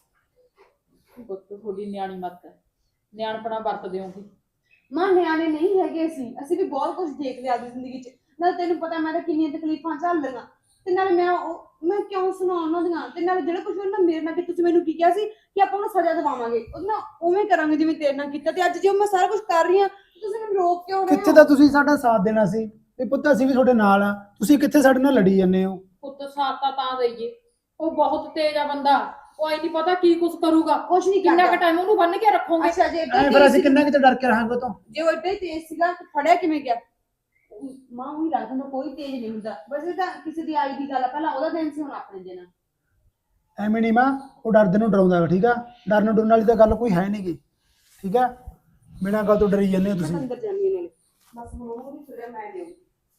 Speaker 5: ਪੁੱਤ ਤੁਹਾਡੀ ਨਿਆਣੀ ਮੱਤ ਹੈ, ਨਿਆਣਪਣਾ ਵਰਤ ਦਿਓਗੀ।
Speaker 7: ਮਾਂ ਨਿਆਣੇ ਨਹੀਂ ਹੈਗੇ ਅਸੀਂ ਅਸੀਂ ਵੀ ਬਹੁਤ ਕੁਝ ਦੇਖ ਲਿਆ ਆਪਣੀ ਜ਼ਿੰਦਗੀ 'ਚ। ਨਾਲ ਤੈਨੂੰ ਪਤਾ ਮੈਂ ਤਾਂ ਕਿੰਨੀਆਂ ਤਕਲੀਫਾਂ ਝੱਲ ਲਈਆਂ ਤੇ ਨਾਲ ਮੈਂ ਉਹ ਮੈਂ ਕਿਉਂ ਸੁਣਾ ਉਹਨਾਂ ਦੀਆਂ। ਤੇ ਨਾਲ ਜਿਹੜਾ ਕੁਝ ਉਹਨਾਂ ਮੇਰੇ ਨਾਲ ਕੀਤਾ, ਤੁਸੀਂ ਮੈਨੂੰ ਕੀ ਕਿਹਾ ਸੀ ਕਿ ਆਪਾਂ ਉਹਨੂੰ ਸਜ਼ਾ ਦਿਵਾਵਾਂਗੇ, ਉਹਦੇ ਨਾਲ ਉਵੇਂ ਕਰਾਂਗੇ ਜਿਵੇਂ ਤੇਰੇ ਨਾਲ ਕੀਤਾ। ਤੇ ਅੱਜ ਜੇ ਮੈਂ ਸਾਰਾ ਕੁਝ ਕਰ ਰਹੀ ਹਾਂ ਤੁਸੀਂ ਮੈਨੂੰ ਰੋਕ ਕਿਉਂ ਰਹੇ ਹੋ?
Speaker 6: ਕਿੱਥੇ ਤਾਂ ਤੁਸੀਂ ਸਾਡਾ ਸਾਥ ਦੇਣਾ ਸੀ ਤੇ ਪੁੱਤ ਅਸੀਂ ਵੀ ਤੁਹਾਡੇ ਨਾਲ ਆ, ਤੁਸੀਂ ਕਿੱਥੇ ਸਾਡੇ ਨਾਲ ਲੜੀ ਜਾਂਦੇ ਹੋ?
Speaker 5: ਪੁੱਤ ਸਾਥ ਤਾਂ ਤਾਂ ਦੇਈਏ, ਉਹ ਬਹੁਤ ਤੇਜ਼ ਆ ਬੰਦਾ, ਉਹ ਐ ਨਹੀਂ ਪਤਾ ਕੀ ਕੁਝ ਕਰੂਗਾ।
Speaker 7: ਕੁਛ ਨਹੀਂ
Speaker 5: ਕਿੰਨਾ
Speaker 7: ਕਰਦਾ।
Speaker 5: ਕੁ ਟਾਈਮ ਉਹਨੂੰ ਬੰਨ ਕੇ ਰੱਖੋਗੇ।
Speaker 7: ਅੱਛਾ ਜੇ
Speaker 6: ਐ ਫਿਰ ਅਸੀਂ ਕਿੰਨਾ ਕਿਤੇ ਡਰ ਕੇ ਰਹਾਂਗੇ ਤੋਂ?
Speaker 7: ਜੇ ਉਹ ਏਡਾ ਹੀ ਤੇਜ਼ ਸੀਗਾ ਤਾਂ ਫੜਿਆ ਕਿਵੇਂ ਗਿਆ? ਮਾਂ ਉਹੀ ਰਾਤ ਨੂੰ ਕੋਈ ਤੇਜ਼ ਨਹੀਂ ਹੁੰਦਾ, ਬਸ ਇਹ ਤਾਂ ਕਿਸੇ ਦੀ ਆਈ ਦੀ ਗੱਲ ਆ, ਪਹਿਲਾਂ ਉਹਦਾ ਦਿਨ ਸੀ ਹੁਣ ਆਪਣੇ ਦਿਨ ਆ।
Speaker 6: ਐਵੇਂ ਨਹੀਂ ਮਾਂ, ਉਹ ਡਰਦੇ ਨੂੰ ਡਰਾਉਂਦਾ ਵਾ, ਠੀਕ ਆ? ਡਰਨ ਡਰਨ ਵਾਲੀ ਤਾਂ ਗੱਲ ਕੋਈ ਹੈ ਨਹੀਂਗੀ, ਠੀਕ ਆ? ਬਿਨਾਂ ਗੱਲ ਤੋਂ ਡਰੀ ਜਾਂਦੇ ਹੋ ਤੁਸੀਂ।
Speaker 7: ਅੰਦਰ ਜਾਂਦੀ ਨਾਲੇ ਬਸ ਹੁਣ ਉਹ ਨਹੀਂ ਫਿਰਿਆ ਮੈਂ ਦੇਉ।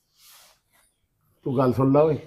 Speaker 4: ਤੂੰ ਗੱਲ ਸੁਣ ਲਾ ਓਏ,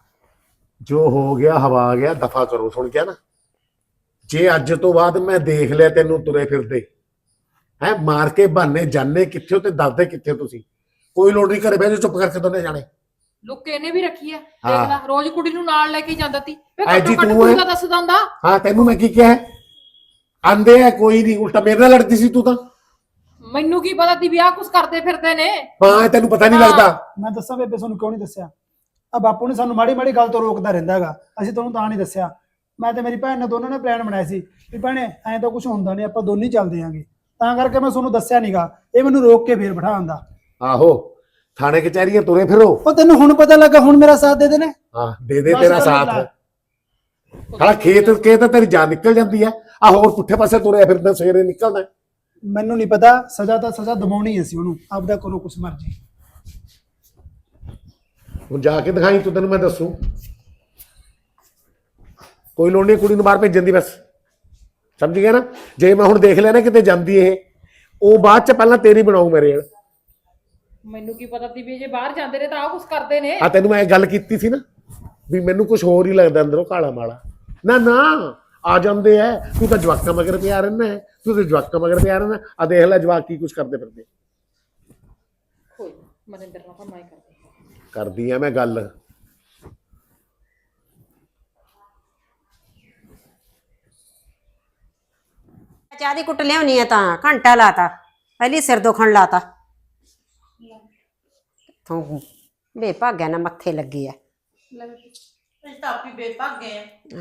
Speaker 4: ਜੋ ਹੋ ਗਿਆ ਹਵਾ ਗਿਆ, ਦਫਾ ਕਰੋ। ਸੁਣ ਗਿਆ ਨਾ? ਜੇ ਅੱਜ ਤੋਂ ਬਾਅਦ ਮੈਂ ਦੇਖ ਲਿਆ ਤੈਨੂੰ ਤੁਰੇ ਫਿਰਦੇ ਹੈ ਮਾਰ ਕੇ ਬਹਾਨੇ, ਜਾਣੇ ਕਿੱਥੇ ਹੋ ਤੇ ਦੱਸਦੇ ਕਿੱਥੇ ਹੋ ਤੁਸੀਂ, ਕੋਈ ਲੋੜ ਨਹੀਂ ਘਰੇ ਬਹਿ ਜਾ ਚੁੱਪ ਕਰਕੇ ਦੋਨੇ ਜਾਣੇ।
Speaker 5: ਲੁੱਕ ਇਹਨੇ ਵੀ ਰੱਖੀ ਆ,
Speaker 4: ਹਾਂ।
Speaker 5: ਦੇਖ ਲੈ ਰੋਜ਼ ਕੁੜੀ ਨੂੰ ਨਾਲ ਲੈ ਕੇ ਜਾਂਦਾ ਤੀ। ਵੇ
Speaker 4: ਐ ਜੀ
Speaker 5: ਘੱਟੋ ਘੱਟ
Speaker 4: ਤੂੰ
Speaker 5: ਕੁੜੀ
Speaker 4: ਐ।
Speaker 5: ਦਾ ਦੱਸਦਾ ਹੁੰਦਾ।
Speaker 4: ਹਾਂ ਤੈਨੂੰ ਮੈਂ ਕੀ ਕਿਹਾ? ਆਂਦੇ ਆ ਕੋਈ ਨਹੀਂ, ਉਲਟਾ ਮੇਰੇ ਨਾਲ ਲੜਦੀ ਸੀ ਤੂੰ ਤਾਂ।
Speaker 5: ਮੈਨੂੰ ਕੀ ਪਤਾ ਤੀ ਵੀ ਆਹ ਕੁਝ ਕਰਦੇ ਫਿਰਦੇ ਨੇ।
Speaker 4: ਹਾਂ ਤੈਨੂੰ ਪਤਾ ਨਹੀਂ
Speaker 5: ਹਾਂ।
Speaker 4: ਲੱਗਦਾ।
Speaker 6: ਮੈਂ ਦੱਸਾਂ ਬੇਬੇ ਤੁਹਾਨੂੰ ਕਿਉਂ ਨਹੀਂ ਦੱਸਿਆ? ਆ ਬਾਪੂ ਨੇ ਸਾਨੂੰ ਮਾੜੀ ਮਾੜੀ ਗੱਲ ਤੋਂ ਰੋਕਦਾ ਰਹਿੰਦਾ ਹੈਗਾ, ਅਸੀਂ ਤੁਹਾਨੂੰ ਤਾਂ ਨਹੀਂ ਦੱਸਿਆ। ਮੈਂ ਤੇ ਮੇਰੀ ਭੈਣ ਨੇ ਦੋਨਾਂ ਨੇ ਪਲਾਨ ਬਣਾਇਆ ਸੀ ਵੀ ਭੈਣੇ ਐਂ ਤਾਂ ਕੁਝ ਹੁੰਦਾ ਨਹੀਂ, ਆਪਾਂ ਦੋਨੇ ਚੱਲਦੇ ਆਂਗੇ, ਤਾਂ ਕਰਕੇ ਮੈਂ ਤੁਹਾਨੂੰ ਦੱਸਿਆ ਨਹੀਂਗਾ। ਇਹ ਮੈਨੂੰ ਰੋਕ ਕੇ ਫੇਰ ਬਿਠਾਉਂਦਾ।
Speaker 4: ਆਹੋ ਥਾਣੇ ਕਚਹਿਰੀਆਂ ਤੁਰੇ ਫਿਰੋ।
Speaker 6: ਉਹ ਤੈਨੂੰ ਹੁਣ ਪਤਾ ਲੱਗਾ, ਹੁਣ ਮੇਰਾ ਸਾਥ ਦੇ ਦੇਣੇ।
Speaker 4: ਹਾਂ ਦੇ ਦੇ
Speaker 6: ਬਸ
Speaker 4: ਤੇਰਾ
Speaker 6: ਕਰ
Speaker 4: ਸਾਥ।
Speaker 6: ਲੈ।
Speaker 4: ਸਾਲਾ ਖੇਤ ਕੇ ਤਾਂ ਤੇਰੀ ਜਾਨ ਨਿਕਲ ਜਾਂਦੀ ਹੈ, ਆ ਹੋਰ ਪੁੱਠੇ ਪਾਸੇ ਤੁਰਿਆ ਫਿਰਦਾ ਸਵੇਰੇ ਨਿਕਲਦਾ।
Speaker 6: ਮੈਨੂੰ ਨਹੀਂ ਪਤਾ, ਸਜ਼ਾ ਤਾਂ ਸਜ਼ਾ ਦਵਾਉਣੀ ਸੀ ਉਹਨੂੰ, ਆਪਦਾ ਕਰੋ ਕੁਛ ਮਰਜ਼ੀ।
Speaker 4: ਹੁਣ ਜਾ ਕੇ ਦਿਖਾਈ ਤੂੰ, ਤੈਨੂੰ ਮੈਂ ਦੱਸੂ। ਕੋਈ ਲੋੜ ਨਹੀਂ ਕੁੜੀ ਨੂੰ ਬਾਹਰ ਭੇਜਣ ਦੀ, ਬਸ ਸਮਝ ਗਿਆ ਨਾ? ਜੇ ਮੈਂ ਹੁਣ ਦੇਖ ਲਿਆ ਨਾ ਕਿਤੇ ਜਾਂਦੀ ਇਹ, ਉਹ ਬਾਅਦ ਚ ਪਹਿਲਾਂ ਤੇਰੀ ਬਣਾਉ ਮੇਰੇ ਨਾਲ।
Speaker 5: ਮੈਨੂੰ ਕੀ ਪਤਾ ਤੀ ਵੀ ਜੇ ਬਾਹਰ ਜਾਂਦੇ ਨੇ ਤਾਂ ਆਹ ਕੁਝ ਕਰਦੇ ਨੇ।
Speaker 4: ਆ ਤੈਨੂੰ ਮੈਂ ਇਹ ਗੱਲ ਕੀਤੀ ਸੀ ਨਾ ਵੀ ਮੈਨੂੰ ਕੁਝ ਹੋਰ ਹੀ ਲੱਗਦਾ ਅੰਦਰੋਂ ਕਾਲਾ ਮਾਲਾ। ਨਾ ਨਾ ਆ ਜਾਂਦੇ ਐ, ਤੂੰ ਤਾਂ ਜਵਾਕਾਂ ਮਗਰ ਪਿਆ ਰਹਿੰਦਾ ਹੈ, ਤੂੰ ਤਾਂ ਜਵਾਕਾਂ ਮਗਰ ਪਿਆ ਰਹਿੰਦਾ। ਆ ਦੇਖ ਲੈ ਜਵਾਕ ਕੀ ਕੁਝ ਕਰਦੇ ਫਿਰਦੇ।
Speaker 5: ਕੋਈ ਮਨਿੰਦਰ ਨਾਲ ਤਾਂ ਮੈਂ ਕਰਦੀ
Speaker 4: ਕਰਦੀ ਆ ਮੈਂ ਗੱਲ।
Speaker 1: ਚਾਹ ਦੀ ਕੁੱਟ ਲਿਆਉਣੀ ਆ ਤਾਂ ਘੰਟਾ ਲਾਤਾ, ਪਹਿਲੀ ਸਿਰ ਦੁਖਣ ਲਾਤਾ। ਤੂੰ ਬੇਭਾਗਿਆ ਨਾ ਮੱਥੇ ਲੱਗੀ ਆ।
Speaker 2: ਅਸੀਂ ਤਾਂ ਆਪੀ ਬੇਭਾਗੇ ਆ।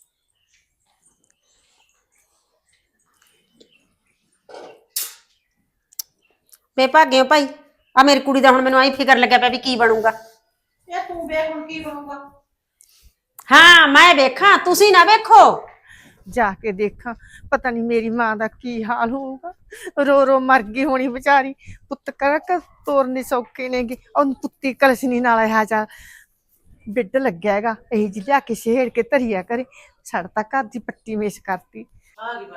Speaker 1: ਬੇਭਾਗੇ ਹੋ ਭਾਈ। ਆ ਮੇਰੀ ਕੁੜੀ ਦਾ ਹੁਣ ਮੈਨੂੰ ਆਈ ਫਿਕਰ ਲੱਗਿਆ ਪਿਆ ਵੀ ਕੀ ਬਣੂਗਾ।
Speaker 2: ਇਹ ਤੂੰ ਵੇਖ ਹੁਣ ਕੀ ਬਣੂਗਾ।
Speaker 1: ਹਾਂ ਮੈਂ ਵੇਖਾਂ, ਤੁਸੀਂ ਨਾ ਵੇਖੋ।
Speaker 2: ਜਾ ਕੇ ਦੇਖਾਂ ਪਤਾ ਨਹੀਂ ਮੇਰੀ ਮਾਂ ਦਾ ਕੀ ਹਾਲ ਹੋਊਗਾ। ਰੋ ਰੋ ਮਰ ਗਈ ਹੋਣੀ ਵਿਚਾਰੀ। ਪੁੱਤ ਕਰਕ ਤੋਰਨੇ ਸੌਖੇ ਨੇਗੇ, ਉਹ ਪੁੱਤੀ ਕਲਸ਼ਨੀ ਨਾਲ ਇਹ ਜਾ ਬਿੱਡ ਲੱਗਿਆ ਹੈਗਾ, ਇਹ ਜੀ ਲਿਆ ਕੇ ਛੇੜ ਕੇ ਧਰੀਆ ਕਰੇ। ਛੜ ਤਾਂ ਘਰ ਦੀ ਪੱਟੀ ਮੇਸ਼ ਕਰਤੀ। ਆ ਗਈ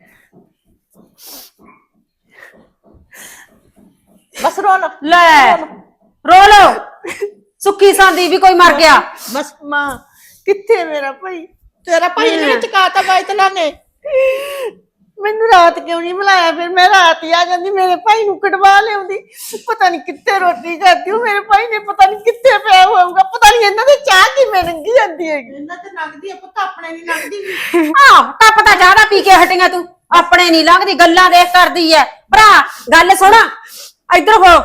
Speaker 2: ਬਸ ਰੋ ਲੋ
Speaker 1: ਲੈ ਰੋ ਲੋ, ਸੁੱਖੀ ਸਾਂਦੀ ਵੀ ਕੋਈ ਮਰ ਗਿਆ।
Speaker 2: ਬਸ ਮਾਂ ਕਿੱਥੇ ਮੇਰਾ ਭਾਈ? ਤੇਰਾ ਭਾਈ ਨੇ ਚਕਾਤਾ ਬਾਇਤਲਾ ਨੇ। ਮੈਨੂੰ ਰਾਤ ਕਿਉਂ ਨਹੀਂ ਬੁਲਾਇਆ? ਫਿਰ ਮੈਂ ਰਾਤ ਹੀ ਆ ਜਾਂਦੀ, ਮੇਰੇ ਭਾਈ ਨੂੰ ਕਢਵਾ ਲਿਆਉਂਦੀ। ਪਤਾ ਨਹੀਂ ਕਿੱਥੇ ਰੋਟੀ ਖਾਦੀ ਉਹ ਮੇਰੇ ਭਾਈ ਨੇ, ਪਤਾ ਨਹੀਂ ਕਿੱਥੇ ਪਿਆ ਹੋਊਗਾ। ਪਤਾ ਨਹੀਂ ਇਹਨਾਂ ਦੇ ਚਾਹ ਕਿਵੇਂ ਲੰਗੀ ਜਾਂਦੀ ਹੈਗੀ। ਇਹਨਾਂ ਤੇ ਲੰਘਦੀ ਆ ਪੁੱਤ, ਆਪਣੇ ਨਹੀਂ ਲੰਘਦੀ।
Speaker 1: ਆਹ ਟੱਪ ਤਾਂ ਜ਼ਿਆਦਾ ਪੀ ਕੇ ਹਟੀਆਂ ਤੂੰ, ਆਪਣੇ ਨਹੀਂ ਲੰਘਦੀ, ਗੱਲਾਂ ਦੇਖ ਕਰਦੀ ਐ। ਭਰਾ ਗੱਲ ਸੁਣ, ਇੱਧਰ ਹੋ।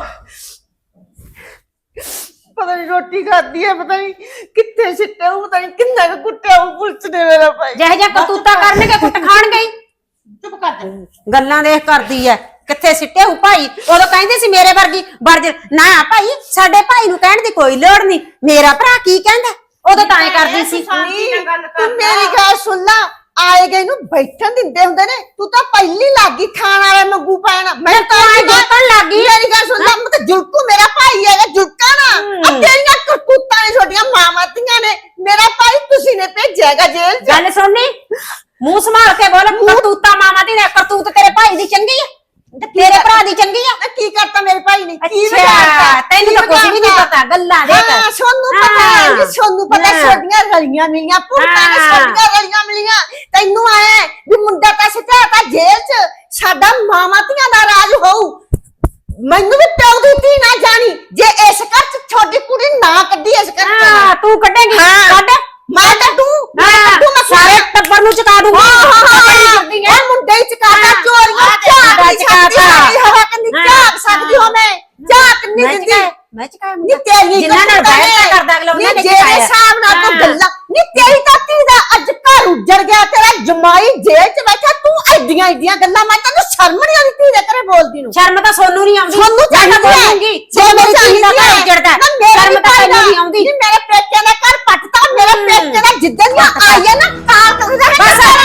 Speaker 2: ਪਤਾ ਨਹੀਂ ਰੋਟੀ ਖਾਦੀ ਹੈ, ਪਤਾ ਨਹੀਂ ਕਿੱਥੇ ਸਿੱਟਿਆ ਉਹ, ਪਤਾ ਨਹੀਂ ਕਿੰਨਾ ਕੁ ਕੁੱਟਿਆ ਉਹ ਪੁਲਿਸ ਨੇ ਮੇਰਾ ਭਾਈ।
Speaker 1: ਜਿਹੇ ਜਿਹਾ ਕਰਤੂਤਾ ਕਰਨਗੇ ਕੁੱਟ ਖਾਣਗੇ ਹੀ।
Speaker 2: ਚੁੱਪ ਕਰ ਜਾ।
Speaker 1: ਗੱਲਾਂ ਦੇਖ ਕਰਦੀ ਐ, ਕਿੱਥੇ ਸਿੱਟੇ ਹੋ ਭਾਈ? ਉਦੋਂ ਕਹਿੰਦੇ ਸੀ ਮੇਰੇ ਵਰਗੀ ਵਰਜ ਨਾ ਭਾਈ, ਸਾਡੇ ਭਾਈ ਨੂੰ ਕਹਿਣ ਦੀ ਕੋਈ ਲੋੜ ਨਹੀਂ, ਮੇਰਾ ਭਰਾ ਕੀ ਕਹਿੰਦਾ। ਉਦੋਂ ਤਾਂ ਐ ਕਰਦੀ ਸੀ।
Speaker 2: ਤੂੰ ਮੇਰੀ ਗੱਲ ਸੁਣ ਲਾ, ਆਏ ਗਏ ਨੂੰ ਬੈਠਣ ਦਿੰਦੇ ਹੁੰਦੇ ਨੇ, ਤੂੰ ਤਾਂ ਪਹਿਲੀ ਲੱਗੀ ਖਾਣ ਵਾਲੇ ਮੰਗੂ ਪੈਣਾ।
Speaker 1: ਮੈਂ ਤਾਂ ਐ ਦੇਖਣ ਲੱਗੀ।
Speaker 2: ਮੇਰੀ ਗੱਲ ਸੁਣ ਲਾ, ਮੈਂ ਤਾਂ ਜੁਲਕੂ ਮੇਰਾ ਭਾਈ ਹੈਗਾ, ਜੁਲਕਾ ਨਾ। ਆ ਤੇਰੀਆਂ ਕਰਤੂਤਾਂ ਨੇ ਛੋਟੀਆਂ ਮਾਵਾਂ ਧੀਆਂ ਨੇ, ਮੇਰਾ ਭਾਈ ਤੁਸੀਂ ਨੇ ਭੇਜਿਆ ਹੈਗਾ ਜੇਲ੍ਹ 'ਚ।
Speaker 1: ਗੱਲ ਸੁਣਨੀ ਮੂੰਹ ਸੰਭਾਲ ਕੇ ਬੋਲ ਕਰਤੂਤਾ ਮਾਮਾ ਦੀ ਨੇ ਕਰਤੂਤ ਤੇਰੇ ਭਾਈ ਦੀ ਚੰਗੀ ਆ ਤੇ ਤੇਰੇ ਭਰਾ ਦੀ ਚੰਗੀ ਆ।
Speaker 2: ਤੇ ਕੀ ਕਰਤਾ ਮੇਰੇ ਭਾਈ ਨੇ? ਕੀ
Speaker 1: ਅੱਛਾ
Speaker 2: ਵਿਗਾੜਤਾ?
Speaker 1: ਤੈਨੂੰ
Speaker 2: ਕੀ
Speaker 1: ਤਾਂ ਕੁਝ ਵੀ ਨਹੀਂ
Speaker 2: ਵਿਗਾੜਤਾ?
Speaker 1: ਪਤਾ ਗੱਲਾਂ ਦੇਖ
Speaker 2: ਹਾਂ ਸੋਨੂੰ ਪਤਾ ਹੈ ਜੀ, ਸੋਨੂੰ ਪਤਾ
Speaker 1: ਹਾਂ।
Speaker 2: ਛੋਡੀਆਂ ਰਲੀਆਂ ਮਿਲੀਆਂ ਪੁਰਤਾਂ ਨੇ
Speaker 1: ਹਾਂ।
Speaker 2: ਛੋਡੀਆਂ ਰਲੀਆਂ ਮਿਲੀਆਂ। ਤੈਨੂੰ ਆਏ ਵੀ ਮੁੰਡਾ ਤਾਂ ਸਿੱਧਾ ਜੇਲ੍ਹ 'ਚ ਸਾਡਾ ਮਾਵਾਂ ਧੀਆਂ ਦਾ ਰਾਜ ਹੋਊ। ਮੈਨੂੰ ਵੀ ਪਿਓ ਦੀ ਧੀ ਨਾ ਜਾਣੀ ਜੇ ਇਸ ਘਰ 'ਚ ਛੋਟੀ ਕੁੜੀ ਨਾ ਕੱਢੀ ਇਸ ਘਰ 'ਚ।
Speaker 1: ਹਾਂ ਤੂੰ ਕੱਢੇਂਗੀ
Speaker 2: ਹਾਂ।
Speaker 1: ਕੱਢ
Speaker 2: ਮੈਂ ਕੱਢੂ ਮੈਂ
Speaker 1: ਹਾਂ
Speaker 2: ਕੱਢੂ ਮੈਂ
Speaker 1: ਸਾਰੇ ਟੱਬਰ ਨੂੰ ਚਕਾ ਦੂੰਗੀ
Speaker 2: ਹਾਂ ਹਾਂ ਹਾਂ
Speaker 1: ਕਰਦੀ ਹੈ
Speaker 2: ਇਹ ਮੁੰਡੇ ਹੀ ਚਕਾਤਾ
Speaker 1: ਹਾਂ।
Speaker 2: ਚੋਰੀਆਂ
Speaker 1: ਆਹ ਤੇ
Speaker 2: ਝਾਕ
Speaker 1: ਮੁੰਡਾ
Speaker 2: ਨਹੀਂ ਸਕਦੀ
Speaker 1: ਚਕਾਤਾ।
Speaker 2: ਮੇਰੀ ਹਵਾ ਕੰਨੀ
Speaker 1: ਹਾਂ।
Speaker 2: ਝਾਕ ਸਕਦੀ ਹੋ ਮੈਂ ਝਾਕ ਨਹੀਂ
Speaker 1: ਮੈਂ
Speaker 2: ਦਿੰਦੀ
Speaker 1: ਚਕਾਇਆ ਮੈਂ ਚਕਾਇਆ
Speaker 2: ਨੀ ਤੇਰੀ
Speaker 1: ਜਿਨ੍ਹਾਂ ਨਾਲ ਬਹਿਸ ਕਰਦਾ ਅਗਲਾ ਉਹਨਾਂ ਨੇ
Speaker 2: ਜਿਹੜੇ
Speaker 1: ਚਕਾਇਆ।
Speaker 2: ਹਿਸਾਬ ਨਾਲ ਤੂੰ
Speaker 1: ਹਾਂ।
Speaker 2: ਗੱਲਾਂ ਨੀ ਤੇਰੀ ਤਾਂ ਧੀ ਦਾ ਅੱਜ ਘਰ ਉੱਜੜ ਗਿਆ ਤੇਰਾ ਜਮਾਈ ਜੇਲ੍ਹ 'ਚ ਬੈਠਾ ਤੂੰ ਐਡੀਆਂ ਐਡੀਆਂ ਗੱਲਾਂ ਮੈਂ ਤੈਨੂੰ ਸ਼ਰਮ ਨਹੀਂ ਆਉਂਦੀ ਧੀ ਦੇ ਘਰੇ ਬੋਲਦੀ ਨੂੰ
Speaker 1: ਸ਼ਰਮ ਤਾਂ ਸੋਨੂੰ ਨਹੀਂ ਆਉਂਦੀ
Speaker 2: ਸੋਨੂੰ
Speaker 1: ਮੈਂ
Speaker 2: ਚਾਹੀਦੀ
Speaker 1: ਤਾਂ
Speaker 2: ਹੈ
Speaker 1: ਬੋਲੂੰਗੀ
Speaker 2: ਜੇ
Speaker 1: ਜੇ
Speaker 2: ਮੇਰੀ
Speaker 1: ਮੇਰੀ ਧੀ ਦਾ
Speaker 2: ਚਾਹੀਦੀ
Speaker 1: ਘਰ
Speaker 2: ਹੈ
Speaker 1: ਉੱਜੜਦਾ
Speaker 2: ਨਾ ਮੇਰੇ
Speaker 1: ਸ਼ਰਮ ਤਾਂ ਤੈਨੂੰ ਨਹੀਂ ਆਉਂਦੀ
Speaker 2: ਨੀ ਮੇਰੇ ਪੇਕੇ ਦਾ ਘਰ ਪੱਟਤਾ ਮੇਰੇ ਪੇਕੇ ਦਾ ਜਿੱਦਣ ਦੀਆਂ ਆਈਆਂ ਨਾ ਤਾਂ ਤੂੰ
Speaker 1: ਬਸ